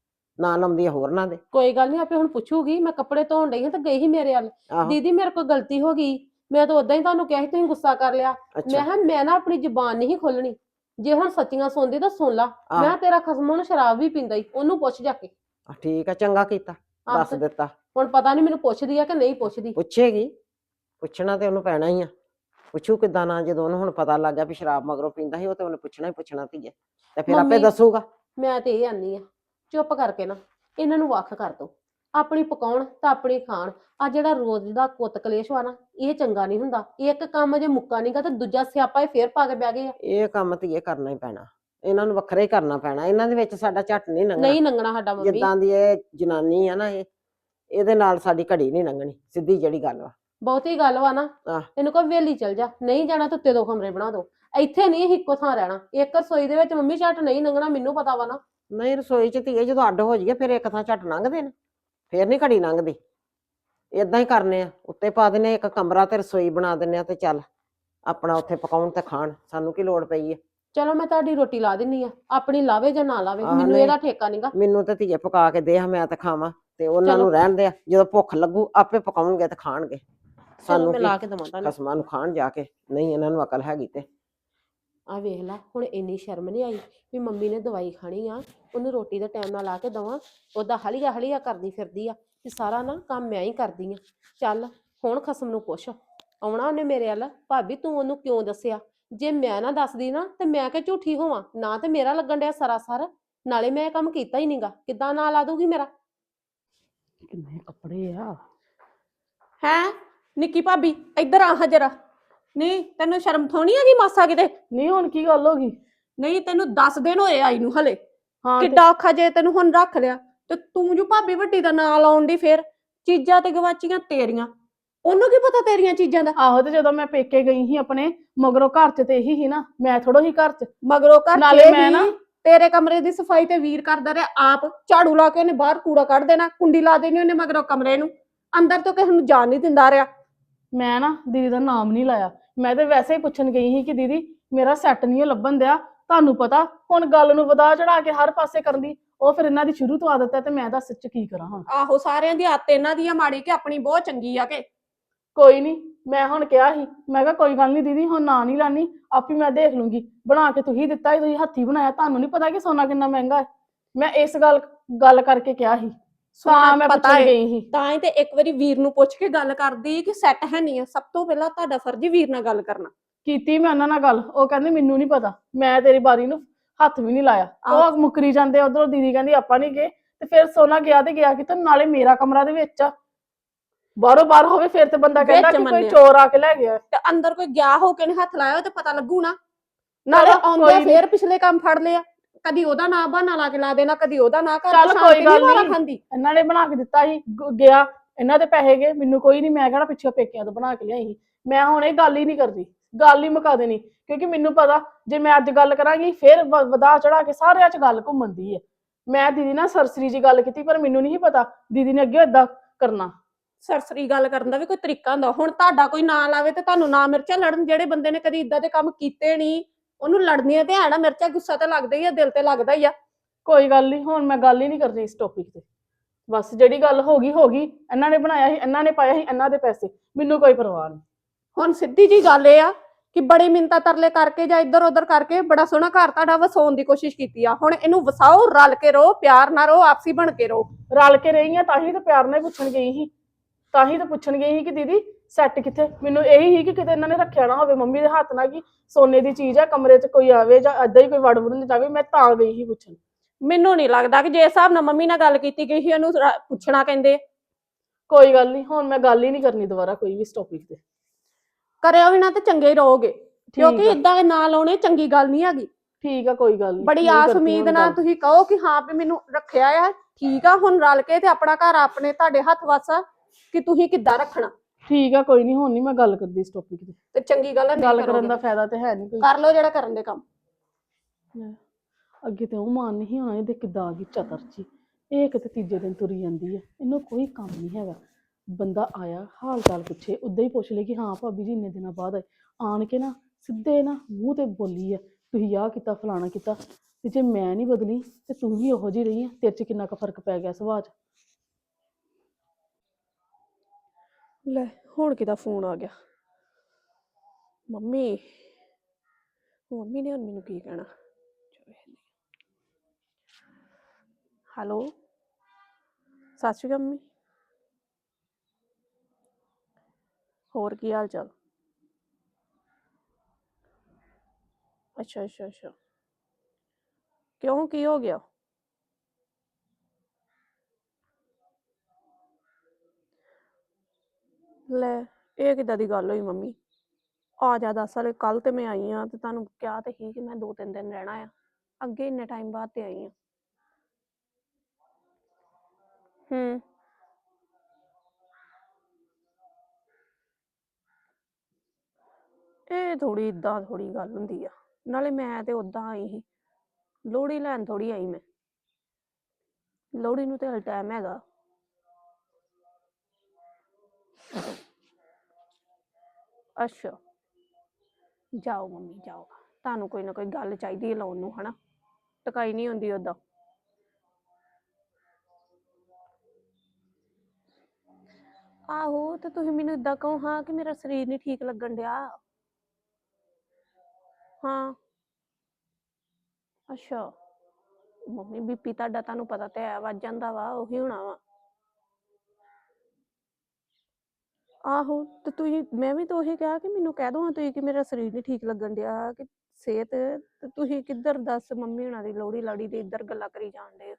Speaker 4: ਨਾ ਲਾਉਂਦੀ ਆ ਹੋਰਨਾਂ ਦੇ।
Speaker 2: ਕੋਈ ਗੱਲ ਨਹੀਂ, ਆਪੇ ਹੁਣ ਪੁੱਛੂਗੀ। ਮੈਂ ਕੱਪੜੇ ਧੋਣ ਡਈ ਹਾਂ ਤੇ ਗਈ ਸੀ ਮੇਰੇ ਵੱਲ,
Speaker 4: ਆਹੋ।
Speaker 2: ਦੀਦੀ ਮੇਰੇ ਕੋਲ ਗਲਤੀ ਹੋ ਗਈ, ਮੈਂ ਤਾਂ ਉਦਾਂ ਹੀ ਤੁਹਾਨੂੰ ਕਿਹਾ ਸੀ, ਤੁਸੀਂ ਗੁੱਸਾ ਕਰ ਲਿਆ। ਮੈਂ
Speaker 4: ਅੱਛਾ।
Speaker 2: ਕਿਹਾ ਮੈਂ ਨਾ ਆਪਣੀ ਜ਼ੁਬਾਨ ਨਹੀਂ ਖੋਲਣੀ, ਜੇ ਹੁਣ ਸੱਚੀਆਂ ਸੁਣਦੀ ਤਾਂ ਸੁਣ ਲਾ।
Speaker 4: ਆਹ।
Speaker 2: ਮੈਂ ਕਿਹਾ ਤੇਰਾ ਖਸਮ ਹੁਣ ਸ਼ਰਾਬ ਵੀ ਪੀਂਦਾ ਈ, ਉਹਨੂੰ ਪੁੱਛ ਜਾ ਕੇ।
Speaker 4: ਠੀਕ ਆ, ਚੰਗਾ ਕੀਤਾ
Speaker 2: ਆਹ
Speaker 4: ਦੱਸ
Speaker 2: ਤੇ
Speaker 4: ਦਿੱਤਾ।
Speaker 2: ਹੁਣ ਪਤਾ ਨਹੀਂ ਮੈਨੂੰ ਪੁੱਛਦੀ ਆ ਕਿ ਨਹੀਂ ਪੁੱਛਦੀ।
Speaker 4: ਪੁੱਛੇਗੀ ਪੁੱਛਣਾ ਤੇ ਉਹਨੂੰ ਪੈਣਾ ਹੀ ਆ। ਪੁੱਛੂ ਕਿੱਦਾਂ ਨਾ, ਜਦੋਂ ਉਹਨੂੰ ਹੁਣ ਪਤਾ ਲੱਗ ਗਿਆ ਵੀ ਸ਼ਰਾਬ ਮਗਰੋਂ ਪੀਂਦਾ ਸੀ, ਉਹ ਤੇ ਉਹਨੇ ਪੁੱਛਣਾ ਹੀ ਪੁੱਛਣਾ ਧੀਏ, ਤੇ ਫਿਰ ਆਪੇ
Speaker 2: ਮੰਮੀ,
Speaker 4: ਦੱਸੂਗਾ।
Speaker 2: ਮੈਂ ਤੇ ਇਹ ਆਨੀ ਆ, ਚੁੱਪ ਕਰਕੇ ਨਾ ਇਹਨਾਂ ਨੂੰ ਵੱਖ ਕਰ ਦੋ। ਆਪਣੀ ਪਕਾਉਣ ਤਾਂ ਆਪਣੀ ਖਾਣ। ਆ ਜਿਹੜਾ ਰੋਜ਼ ਦਾ ਕੁੱਤ ਕਲੇਸ਼ ਵਾ ਨਾ, ਇਹ ਚੰਗਾ ਨਹੀਂ ਹੁੰਦਾ। ਇੱਕ ਕੰਮ ਜੇ ਮੁੱਕਾ ਨਹੀਂਗਾ ਤੇ ਦੂਜਾ ਸਿਆਪਾ ਇਹ ਫੇਰ ਪਾ ਕੇ ਬਹਿ ਗਏ ਆ।
Speaker 4: ਇਹ ਕੰਮ ਧੀਏ ਕਰਨਾ ਹੀ ਪੈਣਾ, ਇਹਨਾਂ ਨੂੰ ਵੱਖਰਾ ਹੀ ਕਰਨਾ ਪੈਣਾ। ਇਹਨਾਂ ਦੇ ਵਿੱਚ ਸਾਡਾ ਝੱਟ ਨਹੀਂ ਲੰਘਣਾ।
Speaker 2: ਨਹੀਂ ਲੰਘਣਾ ਸਾਡਾ ਮੰਮੀ।
Speaker 4: ਜਿੱਦਾਂ ਦੀ ਇਹ ਜਨਾਨੀ ਆ ਨਾ, ਇਹ ਇਹਦੇ ਨਾਲ ਸਾਡੀ ਘੜੀ ਨਹੀਂ ਲੰਘਣੀ, ਸਿੱਧੀ ਜਿਹੜੀ ਗੱਲ ਵਾ।
Speaker 2: ਬਹੁਤੀ ਗੱਲ ਵਾ ਨਾ,
Speaker 4: ਆਹ।
Speaker 2: ਇਹਨੂੰ ਕਹੋ ਵੇਲੀ ਚਲ ਜਾ, ਨਹੀਂ ਜਾਣਾ ਤਾਂ ਉੱਤੇ ਦੋ ਕਮਰੇ ਬਣਾ ਦੋ। ਇੱਥੇ ਨਹੀਂ ਇਹ ਇੱਕੋ ਥਾਂ ਰਹਿਣਾ। ਇੱਕ ਰਸੋਈ ਦੇ ਵਿੱਚ ਮੰਮੀ ਝੱਟ ਨਹੀਂ ਲੰਘਣਾ, ਮੈਨੂੰ ਪਤਾ ਵਾ ਨਾ।
Speaker 4: ਨਹੀਂ ਰਸੋਈ ਚ ਧੀਏ ਜਦੋਂ ਅੱਡ ਹੋ ਜਾਈਏ ਫਿਰ ਇੱਕ ਥਾਂ ਝੱਟ ਲੰਘਦੇ ਨੇ, ਫੇਰ ਨਹੀਂ ਘੜੀ ਲੰਘਦੀ। ਏਦਾਂ ਹੀ ਕਰਨੇ ਆ, ਉੱਤੇ ਪਾ ਦਿੰਨੇ ਇੱਕ ਕਮਰਾ ਤੇ ਰਸੋਈ ਬਣਾ ਦਿੰਨੇ ਆ, ਤੇ ਚੱਲ ਆਪਣਾ ਉੱਥੇ ਪਕਾਉਣ ਤੇ ਖਾਣ, ਸਾਨੂੰ ਕੀ ਲੋੜ ਪਈ ਹੈ।
Speaker 2: ਚਲੋ ਮੈਂ ਤੁਹਾਡੀ ਰੋਟੀ ਲਾ ਦਿੰਨੀ ਆ, ਆਪਣੀ ਲਾਵੇ ਜਾਂ ਨਾ ਲਾਵੇ,
Speaker 4: ਆਹ
Speaker 2: ਮੈਨੂੰ
Speaker 4: ਨਹੀਂ।
Speaker 2: ਇਹਦਾ ਠੇਕਾ ਨਹੀਂਗਾ।
Speaker 4: ਮੈਨੂੰ ਤੇ ਧੀਏ ਪਕਾ ਕੇ ਦੇ, ਮੈਂ ਤੇ ਖਾਵਾਂ, ਤੇ ਉਹਨਾਂ
Speaker 2: ਚਲੋ।
Speaker 4: ਨੂੰ ਰਹਿਣ ਦੇ। ਜਦੋਂ ਭੁੱਖ ਲੱਗੂ ਆਪੇ ਪਕਾਉਣਗੇ ਤੇ ਖਾਣਗੇ।
Speaker 2: ਚਲੋ
Speaker 4: ਸਾਨੂੰ
Speaker 2: ਮੈਂ
Speaker 4: ਕੀ,
Speaker 2: ਲਾ ਕੇ ਦਵਾਂ ਤੁਹਾਨੂੰ।
Speaker 4: ਖਸਮਾਂ ਨੂੰ ਖਾਣ ਜਾ ਕੇ, ਨਹੀਂ ਇਹਨਾਂ ਨੂੰ ਅਕਲ ਹੈਗੀ ਤੇ।
Speaker 2: ਆ ਵੇਖ ਲਾ, ਹੁਣ ਇੰਨੀ ਸ਼ਰਮ ਨਹੀਂ ਆਈ ਵੀ ਮੰਮੀ ਨੇ ਦਵਾਈ ਖਾਣੀ ਆ, ਉਹਨੂੰ ਰੋਟੀ ਦਾ ਟਾਈਮ ਨਾਲ ਲਾ ਕੇ ਦਵਾਂ। ਉਹਦਾ ਹਲੀਆ ਹਲੀਆ ਕਰਦੀ ਫਿਰਦੀ ਆ ਕਿ ਸਾਰਾ ਨਾ ਕੰਮ ਮੈਂ ਹੀ ਕਰਦੀ ਆ। ਚੱਲ ਹੁਣ ਖਸਮ ਨੂੰ ਪੁੱਛ, ਆਉਣਾ ਉਹਨੇ ਮੇਰੇ ਵੱਲ, ਭਾਬੀ ਤੂੰ ਉਹਨੂੰ ਕਿਉਂ ਦੱਸਿਆ? ਜੇ ਮੈਂ ਨਾ ਦੱਸਦੀ ਨਾ ਤੇ ਮੈਂ ਕਿ ਝੂਠੀ ਹੋਵਾਂ ਨਾ, ਤੇ ਮੇਰਾ ਲੱਗਣ ਡਿਆ ਸਰਾਸਰ, ਨਾਲੇ ਮੈਂ ਇਹ ਕੰਮ ਕੀਤਾ ਹੀ ਨਹੀਂਗਾ, ਕਿੱਦਾਂ ਨਾਂ ਲਾ ਦੂਗੀ ਮੇਰਾ?
Speaker 1: ਕਿੰਨੇ ਕੱਪੜੇ ਆ।
Speaker 5: ਹੈ ਨਿੱਕੀ ਭਾਬੀ, ਇੱਧਰ ਆ ਜਰਾ। ਨਹੀਂ ਤੈਨੂੰ ਸ਼ਰਮ ਥੋਣੀ ਹੈਗੀ ਮਾਸਾ ਕਿਤੇ?
Speaker 1: ਨਹੀਂ ਹੁਣ ਕੀ ਗੱਲ ਹੋ ਗਈ?
Speaker 5: ਨਹੀਂ ਤੈਨੂੰ ਦਸ ਦਿਨ ਹੋਏ ਆਈ ਨੂੰ ਹਲੇ।
Speaker 1: ਹਾਂ ਤੇ-
Speaker 5: ਕਿੱਡਾ ਔਖਾ ਜੇ ਤੈਨੂੰ ਹੁਣ ਰੱਖ ਲਿਆ, ਤੇ ਤੂੰ ਜੋ ਭਾਬੀ ਵੱਡੀ ਦਾ ਨਾਂ ਲਾਉਣ ਦੀ, ਫੇਰ ਚੀਜ਼ਾਂ ਤੇ ਗਵਾਚੀਆਂ ਤੇਰੀਆਂ, ਉਹਨੂੰ ਕੀ ਪਤਾ ਤੇਰੀਆਂ ਚੀਜ਼ਾਂ ਦਾ?
Speaker 1: ਆਹੋ, ਤੇ ਜਦੋਂ ਮੈਂ ਪੇਕੇ ਗਈ ਸੀ ਆਪਣੇ, ਮਗਰੋਂ ਘਰ ਚ ਤੇ ਇਹੀ ਸੀ ਨਾ, ਮੈਂ ਥੋੜੋ ਹੀ ਘਰ ਚ।
Speaker 5: ਮਗਰੋਂ ਘਰ
Speaker 1: ਨਾਲੇ
Speaker 5: ਚ
Speaker 1: ਮੈਂ
Speaker 5: ਹੀ
Speaker 1: ਨਾ-
Speaker 5: ਤੇਰੇ ਕਮਰੇ ਦੀ ਸਫਾਈ ਤੇ ਵੀਰ ਕਰਦਾ ਰਿਹਾ ਆਪ, ਝਾੜੂ ਲਾ ਕੇ ਉਹਨੇ ਬਾਹਰ ਕੂੜਾ ਕੱਢ ਦੇਣਾ, ਕੁੰਡੀ ਲਾ ਦੇਣੀ ਉਹਨੇ ਮਗਰੋਂ ਕਮਰੇ ਨੂੰ, ਅੰਦਰ ਤੋਂ ਕਿਸੇ ਨੂੰ ਜਾਣ ਨਹੀਂ ਦਿੰਦਾ ਰਿਹਾ।
Speaker 1: ਮੈਂ ਨਾ ਦੀਦੀ ਦਾ ਨਾਮ ਨਹੀਂ ਲਾਇਆ, ਮੈਂ ਤੇ ਵੈਸੇ ਹੀ ਪੁੱਛਣ ਗਈ ਸੀ ਕਿ ਦੀਦੀ ਮੇਰਾ ਸੈੱਟ ਨਹੀਂ ਲੱਭਣ ਦਿਆ। ਤੁਹਾਨੂੰ ਪਤਾ ਹੁਣ ਗੱਲ ਨੂੰ ਵਧਾ ਚੜਾ ਕੇ ਹਰ ਪਾਸੇ ਕਰਨ ਦੀ, ਉਹ ਫਿਰ ਇਹਨਾਂ ਦੀ ਸ਼ੁਰੂ ਤੋਂ ਆਦਤ ਹੈ, ਤੇ ਮੈਂ ਦੱਸ ਚ ਕੀ ਕਰਾਂ ਹੁਣ।
Speaker 5: ਆਹੋ, ਸਾਰਿਆਂ ਦੀ ਆਦਤ ਇਹਨਾਂ ਦੀ ਆ ਮਾੜੀ, ਕਿ ਆਪਣੀ ਬਹੁਤ ਚੰਗੀ ਆ ਕਿ।
Speaker 1: ਕੋਈ ਨਹੀਂ, ਮੈਂ ਹੁਣ ਕਿਹਾ ਸੀ, ਮੈਂ ਕਿਹਾ ਕੋਈ ਗੱਲ ਨਹੀਂ ਦੀਦੀ, ਹੁਣ ਨਾ ਨਹੀਂ ਲਾਨੀ, ਆਪੀ ਮੈਂ ਦੇਖ ਲੂੰਗੀ। ਬਣਾ ਕੇ ਤੁਸੀਂ ਦਿੱਤਾ ਸੀ, ਤੁਸੀਂ ਹੱਥੀ ਬਣਾਇਆ, ਤੁਹਾਨੂੰ ਨਹੀਂ ਪਤਾ ਕਿ ਸੋਨਾ ਕਿੰਨਾ ਮਹਿੰਗਾ ਹੈ। ਮੈਂ ਇਸ ਗੱਲ ਗੱਲ ਕਰਕੇ ਕਿਹਾ ਸੀ, ਤਾਂ ਮੈਂ
Speaker 5: ਪਤਾ
Speaker 1: ਪੁੱਛਣ
Speaker 5: ਹੈ।
Speaker 1: ਗਈ ਸੀ।
Speaker 5: ਤਾਂ ਹੀ ਤੇ ਇੱਕ ਵਾਰੀ ਵੀਰ ਨੂੰ ਪੁੱਛ ਕੇ ਗੱਲ ਕਰਦੀ ਕਿ ਸੈੱਟ ਹੈ ਨਹੀਂ ਆ। ਸਭ ਤੋਂ ਪਹਿਲਾਂ ਤੁਹਾਡਾ ਫਰਜ਼ ਹੀ ਵੀਰ ਨਾਲ ਗੱਲ ਕਰਨਾ।
Speaker 1: ਕੀਤੀ ਮੈਂ ਉਹਨਾਂ ਨਾਲ ਗੱਲ, ਉਹ ਕਹਿੰਦੇ ਮੈਨੂੰ ਨਹੀਂ ਪਤਾ, ਮੈਂ ਤੇਰੀ ਬਾਰੀ ਨੂੰ ਹੱਥ ਵੀ ਨਹੀਂ ਲਾਇਆ। ਉਹ ਮੁੱਕਰੀ ਜਾਂਦੇ ਉਧਰੋਂ, ਦੀਦੀ ਕਹਿੰਦੀ ਆਪਾਂ ਨਹੀਂ ਗਏ, ਤੇ ਫਿਰ ਸੋਨਾ ਗਿਆ ਤੇ ਗਿਆ ਕਿਤੇ, ਨਾਲੇ ਮੇਰਾ ਕਮਰਾ ਦੇ ਵਿੱਚ ਆ, ਬਾਹਰੋਂ ਬਾਹਰ ਹੋਵੇ ਫਿਰ ਤੇ ਬੰਦਾ ਕਹਿੰਦਾ
Speaker 5: ਵਿੱਚ
Speaker 1: ਕਿ ਕੋਈ
Speaker 5: ਮੰਨਿਆ।
Speaker 1: ਚੋਰ ਆ ਕੇ ਲੈ ਗਿਆ।
Speaker 5: ਤੇ ਅੰਦਰ ਕੋਈ ਗਿਆ ਹੋ ਕੇ ਨੇ ਹੱਥ ਲਾਇਆ ਤੇ ਪਤਾ ਲੱਗੂ ਨਾ।
Speaker 1: ਚਲੋ
Speaker 5: ਨਾਲੇ
Speaker 1: ਕੋਈ
Speaker 5: ਆਉਂਦੇ
Speaker 1: ਨੀ।
Speaker 5: ਫੇਰ ਪਿਛਲੇ ਕੰਮ ਫੜ ਲਿਆ, ਕਦੀ ਉਹਦਾ ਨਾਂ ਬਹਾਨਾ ਲਾ ਕੇ ਲਾ ਦੇਣਾ, ਕਦੀ ਉਹਦਾ ਨਾਂ ਕਰ।
Speaker 1: ਚੱਲ ਕੋਈ ਗੱਲ ਨੀ।
Speaker 5: ਖਾਂਦੀ
Speaker 1: ਇਹਨਾਂ ਨੇ ਬਣਾ ਕੇ ਦਿੱਤਾ ਸੀ, ਗ- ਗਿਆ, ਇਹਨਾਂ ਦੇ ਪੈਸੇ ਗਏ, ਮੈਨੂੰ ਕੋਈ ਨਹੀਂ, ਮੈਂ ਕਿਹੜਾ ਪਿੱਛੇ ਪੇਕਿਆਂ ਤੋਂ ਬਣਾ ਕੇ ਲਿਆਈ ਸੀ। ਮੈਂ ਹੁਣ ਇਹ ਗੱਲ ਹੀ ਨਹੀਂ ਕਰਦੀ, ਗੱਲ ਹੀ ਮੁਕਾ ਦੇਣੀ, ਕਿਉਂਕਿ ਮੈਨੂੰ ਪਤਾ ਜੇ ਮੈਂ ਅੱਜ ਗੱਲ ਕਰਾਂਗੀ ਫਿਰ ਵ- ਵਧਾ ਚੜਾ ਕੇ ਸਾਰਿਆਂ 'ਚ ਗੱਲ ਘੁੰਮਦੀ ਹੈ। ਮੈਂ ਦੀਦੀ ਨਾਲ ਸਰਸਰੀ ਜੀ ਗੱਲ ਕੀਤੀ, ਪਰ ਮੈਨੂੰ ਨਹੀਂ ਪਤਾ ਦੀਦੀ ਨੇ ਅੱਗੇ ਏਦਾਂ ਕਰਨਾ।
Speaker 5: ਸਰਸਰੀ ਗੱਲ ਕਰਨ ਦਾ ਵੀ ਕੋਈ ਤਰੀਕਾ ਹੁੰਦਾ। ਹੁਣ ਤੁਹਾਡਾ ਕੋਈ ਨਾਂ ਲਾਵੇ ਤੇ ਤੁਹਾਨੂੰ ਨਾ ਮਿਰਚਾਂ ਲੜਨ। ਜਿਹੜੇ ਬੰਦੇ ਨੇ ਕਦੀ ਇਦਾਂ ਦੇ ਕੰਮ ਕੀਤੇ ਨਹੀਂ, ਉਹਨੂੰ ਲੜਨੀਆਂ ਤੇ ਹੈ ਨਾ ਮਿਰਚਾਂ। ਗੁੱਸਾ ਤਾਂ ਲੱਗਦਾ ਹੀ ਆ, ਦਿਲ ਤੇ ਲੱਗਦਾ ਹੀ ਆ।
Speaker 1: ਕੋਈ ਗੱਲ ਨਹੀਂ, ਹੁਣ ਮੈਂ ਗੱਲ ਹੀ ਨਹੀਂ ਕਰਨੀ ਇਸ ਟੌਪਿਕ ਤੇ। ਬਸ ਜਿਹੜੀ ਗੱਲ ਹੋ ਗਈ ਹੋ ਗਈ, ਇਹਨਾਂ ਨੇ ਬਣਾਇਆ ਸੀ, ਇਹਨਾਂ ਨੇ ਪਾਇਆ ਸੀ, ਇਹਨਾਂ ਦੇ ਪੈਸੇ, ਮੈਨੂੰ ਕੋਈ ਪਰਵਾਹ ਨਹੀਂ।
Speaker 5: ਹੁਣ ਸਿੱਧੀ ਜੀ ਗੱਲ ਇਹ ਆ ਕਿ ਬੜੀ ਮਿੰਤਾ ਤਰਲੇ ਕਰਕੇ ਜਾਂ ਇੱਧਰ ਉੱਧਰ ਕਰਕੇ ਬੜਾ ਸੋਹਣਾ ਘਰ ਤੁਹਾਡਾ ਵਸਾਉਣ ਦੀ ਕੋਸ਼ਿਸ਼ ਕੀਤੀ ਆ। ਹੁਣ ਇਹਨੂੰ ਵਸਾਓ, ਰਲ ਕੇ ਰਹੋ, ਪਿਆਰ ਨਾਲ ਰਹੋ, ਆਪਸੀ ਬਣ ਕੇ ਰਹੋ।
Speaker 1: ਰਲ ਕੇ ਰਹੀ ਆ, ਤਾਂ ਹੀ ਤਾਂ ਪਿਆਰ ਨਾਲ ਪੁੱਛਣ ਗਈ ਸੀ, ਤਾਂ ਹੀ ਤਾਂ ਪੁੱਛਣ ਗਈ ਸੀ ਕਿ ਦੀਦੀ ਸੈੱਟ ਕਿੱਥੇ। ਮੈਨੂੰ ਇਹੀ ਸੀ ਕਿ ਕਿਤੇ ਇਹਨਾਂ ਨੇ ਰੱਖਿਆ ਨਾ ਹੋਵੇ ਮੰਮੀ ਦੇ ਹੱਥ ਨਾਲ, ਕਿ ਸੋਨੇ ਦੀ ਚੀਜ਼ ਆ, ਕਮਰੇ 'ਚ ਕੋਈ ਆਵੇ ਜਾਂ ਏਦਾਂ ਹੀ ਕੋਈ ਵੜ ਵੜ ਨਾ ਜਾਵੇ। ਮੈਂ ਤਾਂ ਗਈ ਸੀ ਪੁੱਛਣ।
Speaker 5: ਮੈਨੂੰ ਨਹੀਂ ਲੱਗਦਾ ਕਿ ਜੇ ਹਿਸਾਬ ਨਾਲ ਮੰਮੀ ਨਾਲ ਗੱਲ ਕੀਤੀ ਗਈ ਸੀ, ਉਹਨੂੰ ਰ- ਪੁੱਛਣਾ ਕਹਿੰਦੇ।
Speaker 1: ਕੋਈ ਗੱਲ ਨਹੀਂ, ਹੁਣ ਮੈਂ ਗੱਲ ਹੀ ਨਹੀਂ ਕਰਨੀ ਦੁਬਾਰਾ ਕੋਈ ਵੀ ਇਸ ਟੌਪਿਕ ਤੇ।
Speaker 5: ਕਰਿਓ ਵੀ ਨਾ ਤੇ ਚੰਗੇ ਹੀ ਰਹੋਗੇ, ਕਿਉਂਕਿ
Speaker 1: ਆ।
Speaker 5: ਇਦਾਂ ਦੇ ਨਾਂ ਲਾਉਣੇ ਚੰਗੀ ਗੱਲ ਨਹੀਂ ਹੈਗੀ।
Speaker 1: ਠੀਕ ਆ, ਕੋਈ ਗੱਲ ਨਹੀਂ।
Speaker 5: ਬੜੀ ਆਸ ਉਮੀਦ ਨਾਲ ਤੁਸੀਂ ਕਹੋ ਕਿ ਹਾਂ ਵੀ ਮੈਨੂੰ ਰੱਖਿਆ ਆ, ਠੀਕ ਆ। ਹੁਣ ਰਲ ਕੇ ਤੇ ਆਪਣਾ ਘਰ ਆਪਣੇ ਤੁਹਾਡੇ ਹੱਥ ਵੱਸ ਆ ਕਿ ਤੁਸੀਂ ਕਿੱਦਾਂ ਰੱਖਣਾ।
Speaker 1: ਠੀਕ ਆ, ਕੋਈ ਨਹੀਂ, ਹੁਣ ਨਹੀਂ ਮੈਂ ਗੱਲ ਕਰਦੀ ਇਸ ਟੌਪਿਕ ਤੇ।
Speaker 5: ਤੇ ਚੰਗੀ ਗੱਲ ਹੈ, ਨਹੀਂ
Speaker 1: ਗੱਲ ਕਰਨ
Speaker 5: ਕਰੋਗੇ।
Speaker 1: ਦਾ ਫਾਇਦਾ ਤੇ ਹੈ ਨਹੀਂ ਕੋਈ।
Speaker 5: ਕਰ ਲਓ ਜਿਹੜਾ ਕਰਨ ਦੇ ਕੰਮ।
Speaker 1: ਅੱਗੇ ਤੇ ਉਹ ਮਾਨ ਨਹੀਂ ਹੋਣਾ, ਇਹਦੇ ਕਿੱਦਾਂ ਆ ਗਈ ਚਤਰ ਜੀ। ਇਹ ਕਿਤੇ ਤੀਜੇ ਦਿਨ ਤੁਰੀ ਜਾਂਦੀ ਹੈ, ਇਹਨੂੰ ਕੋਈ ਕੰਮ ਨਹੀਂ ਹੈਗਾ। ਬੰਦਾ ਆਇਆ ਹਾਲ ਚਾਲ ਪੁੱਛੇ, ਉਦਾਂ ਹੀ ਪੁੱਛ ਲੈ ਕਿ ਹਾਂ ਭਾਬੀ ਜੀ ਇੰਨੇ ਦਿਨਾਂ ਬਾਅਦ ਆਏ। ਆਣ ਕੇ ਨਾ ਸਿੱਧੇ ਨਾ ਮੂੰਹ ਤੇ ਬੋਲੀ ਆ, ਤੁਸੀਂ ਆਹ ਕੀਤਾ ਫਲਾਣਾ ਕੀਤਾ, ਤੇ ਜੇ ਮੈਂ ਨਹੀਂ ਬਦਲੀ ਤੇ ਤੂੰ ਵੀ ਉਹੋ ਜਿਹੀ ਰਹੀ ਆ। ਤੇਰੇ 'ਚ ਕਿੰਨਾ ਕੁ ਫਰਕ ਪੈ ਗਿਆ ਸੁਭਾਅ 'ਚ।
Speaker 5: ਲੈ ਹੁਣ ਕਿਹਦਾ ਫੋਨ ਆ ਗਿਆ? ਮੰਮੀ ਮੰਮੀ ਨੇ ਹੁਣ ਮੈਨੂੰ ਕੀ ਕਹਿਣਾ? ਹੈਲੋ, ਸਤਿ ਸ਼੍ਰੀ ਅਕਾਲ ਮੰਮੀ। ਹੋਰ ਕੀ ਹਾਲ ਚਾਲ? ਅੱਛਾ ਅੱਛਾ ਅੱਛਾ। ਕਿਉਂ, ਕੀ ਹੋ ਗਿਆ? ਲੈ, ਇਹ ਕਿੱਦਾਂ ਦੀ ਗੱਲ ਹੋਈ ਮੰਮੀ? ਆ ਜਾ ਦਸ ਵਾਲੇ, ਕੱਲ ਤੇ ਮੈਂ ਆਈ ਆ ਤੇ ਤੁਹਾਨੂੰ ਕਿਹਾ ਤੇ ਸੀ ਕਿ ਮੈਂ ਦੋ ਤਿੰਨ ਦਿਨ ਰਹਿਣਾ ਆ। ਅੱਗੇ ਇੰਨੇ ਟਾਈਮ ਬਾਅਦ ਤੇ ਆਈ ਆ। ਹੂੰ। ਇਹ ਥੋੜੀ ਇਦਾਂ ਥੋੜੀ ਗੱਲ ਹੁੰਦੀ ਆ। ਨਾਲੇ ਮੈਂ ਤੇ ਉਦਾਂ ਆਈ ਸੀ, ਲੋਹੜੀ ਲੈਣ ਥੋੜੀ ਆਈ ਮੈਂ। ਲੋਹੜੀ ਨੂੰ ਤੇ ਹਲ ਟਾਈਮ ਹੈਗਾ। ਅੱਛਾ, ਜਾਓ ਮੰਮੀ ਜਾਓ, ਤੁਹਾਨੂੰ ਕੋਈ ਨਾ ਕੋਈ ਗੱਲ ਚਾਹੀਦੀ ਹੈ ਲਾਉਣ ਨੂੰ, ਹਨਾ? ਟਕਾਈ ਨਹੀਂ ਹੁੰਦੀ ਓਦਾਂ। ਆਹੋ, ਤੇ ਤੁਸੀਂ ਮੈਨੂੰ ਏਦਾਂ ਕਹੋ ਹਾਂ ਕਿ ਮੇਰਾ ਸਰੀਰ ਨਹੀਂ ਠੀਕ ਲੱਗਣ ਡਿਆ। ਹਾਂ। ਅੱਛਾ, ਮੰਮੀ ਬੀਪੀ ਤੁਹਾਡਾ ਤੁਹਾਨੂੰ ਪਤਾ ਤੇ ਹੈ ਵੱਧ ਜਾਂਦਾ ਵਾ, ਉਹੀ ਹੋਣਾ ਵਾ। ਆਹੋ, ਤੇ ਤੁਸੀਂ, ਮੈਂ ਵੀ ਤਾਂ ਉਹੀ ਕਿਹਾ ਕਿ ਮੈਨੂੰ ਕਹਿ ਦੋ ਹਾਂ ਤੁਸੀਂ ਕਿ ਮੇਰਾ ਸਰੀਰ ਨਹੀਂ ਠੀਕ ਲੱਗਣ ਡਿਆ, ਕਿ ਸਿਹਤ, ਤੇ ਤੁਸੀਂ ਕਿੱਧਰ ਦੱਸ ਮੰਮੀ ਹੁਣਾਂ ਦੀ ਲੋਹੜੀ ਲਾੜੀ ਦੀ ਇੱਧਰ ਗੱਲਾਂ ਕਰੀ ਜਾਣ ਡੇ।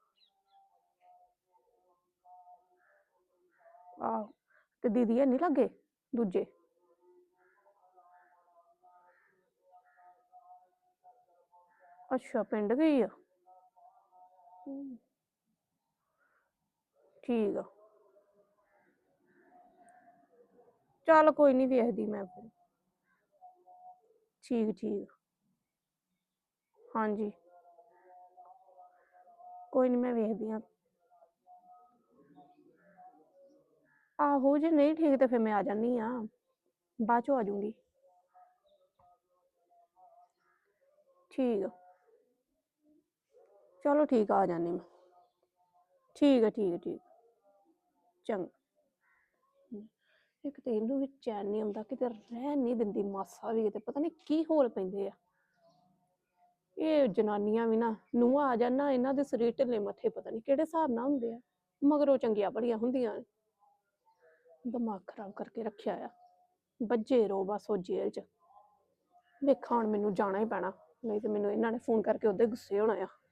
Speaker 5: ਆਹੋ, ਤੇ ਦੀਦੀ ਹੈ ਨਹੀਂ ਲੱਗੇ ਦੂਜੇ? ਅੱਛਾ, ਪਿੰਡ ਗਈ ਆ। ਹਮ, ਠੀਕ ਆ। ਚੱਲ ਕੋਈ ਨਹੀਂ, ਵੇਖਦੀ ਮੈਂ ਫਿਰ। ਠੀਕ ਠੀਕ। ਹਾਂਜੀ, ਕੋਈ ਨਹੀਂ, ਮੈਂ ਵੇਖਦੀ ਹਾਂ। ਆਹੋ, ਜੇ ਨਹੀਂ ਠੀਕ ਤੇ ਫਿਰ ਮੈਂ ਆ ਜਾਂਦੀ ਆ, ਬਾਅਦ ਚੋਂ ਆ ਜਾਊਂਗੀ। ਠੀਕ ਆ, ਚਲੋ ਠੀਕ ਆ, ਆ ਜਾਂਦੀ ਮੈਂ। ਠੀਕ ਹੈ ਠੀਕ ਹੈ ਠੀਕ, ਚੰਗਾ। ਇੱਕ ਤੇ ਇਹਨੂੰ ਵੀ ਚੈਨ ਨਹੀਂ ਆਉਂਦਾ, ਕਿਤੇ ਰਹਿਣ ਨਹੀਂ ਦਿੰਦੀ ਮਾਸਾ ਵੀ, ਕਿਤੇ ਪਤਾ ਨਹੀਂ ਕੀ ਹੋਲ ਪੈਂਦੇ ਆ ਇਹ ਜਨਾਨੀਆਂ ਵੀ ਨਾ। ਨੂੰਹਾਂ ਆ ਜਾਣ ਨਾ, ਇਹਨਾਂ ਦੇ ਸਰੀਰ ਢਿੱਲੇ ਮੱਥੇ ਪਤਾ ਨਹੀਂ ਕਿਹੜੇ ਹਿਸਾਬ ਨਾਲ ਹੁੰਦੇ ਆ, ਮਗਰੋਂ ਚੰਗੀਆਂ ਬੜੀਆਂ ਹੁੰਦੀਆਂ ਨੇ। ਦਿਮਾਗ ਖਰਾਬ ਕਰਕੇ ਰੱਖਿਆ ਆ, ਬੱਝੇ ਰਹੋ ਬਸ ਉਹ ਜੇਲ੍ਹ 'ਚ। ਵੇਖਾਂ ਹੁਣ ਮੈਨੂੰ ਜਾਣਾ ਹੀ ਪੈਣਾ, ਨਹੀਂ ਤੇ ਮੈਨੂੰ ਇਹਨਾਂ ਨੇ ਫੋਨ ਕਰਕੇ ਉਹਦੇ ਗੁੱਸੇ ਹੋਣਾ ਆ।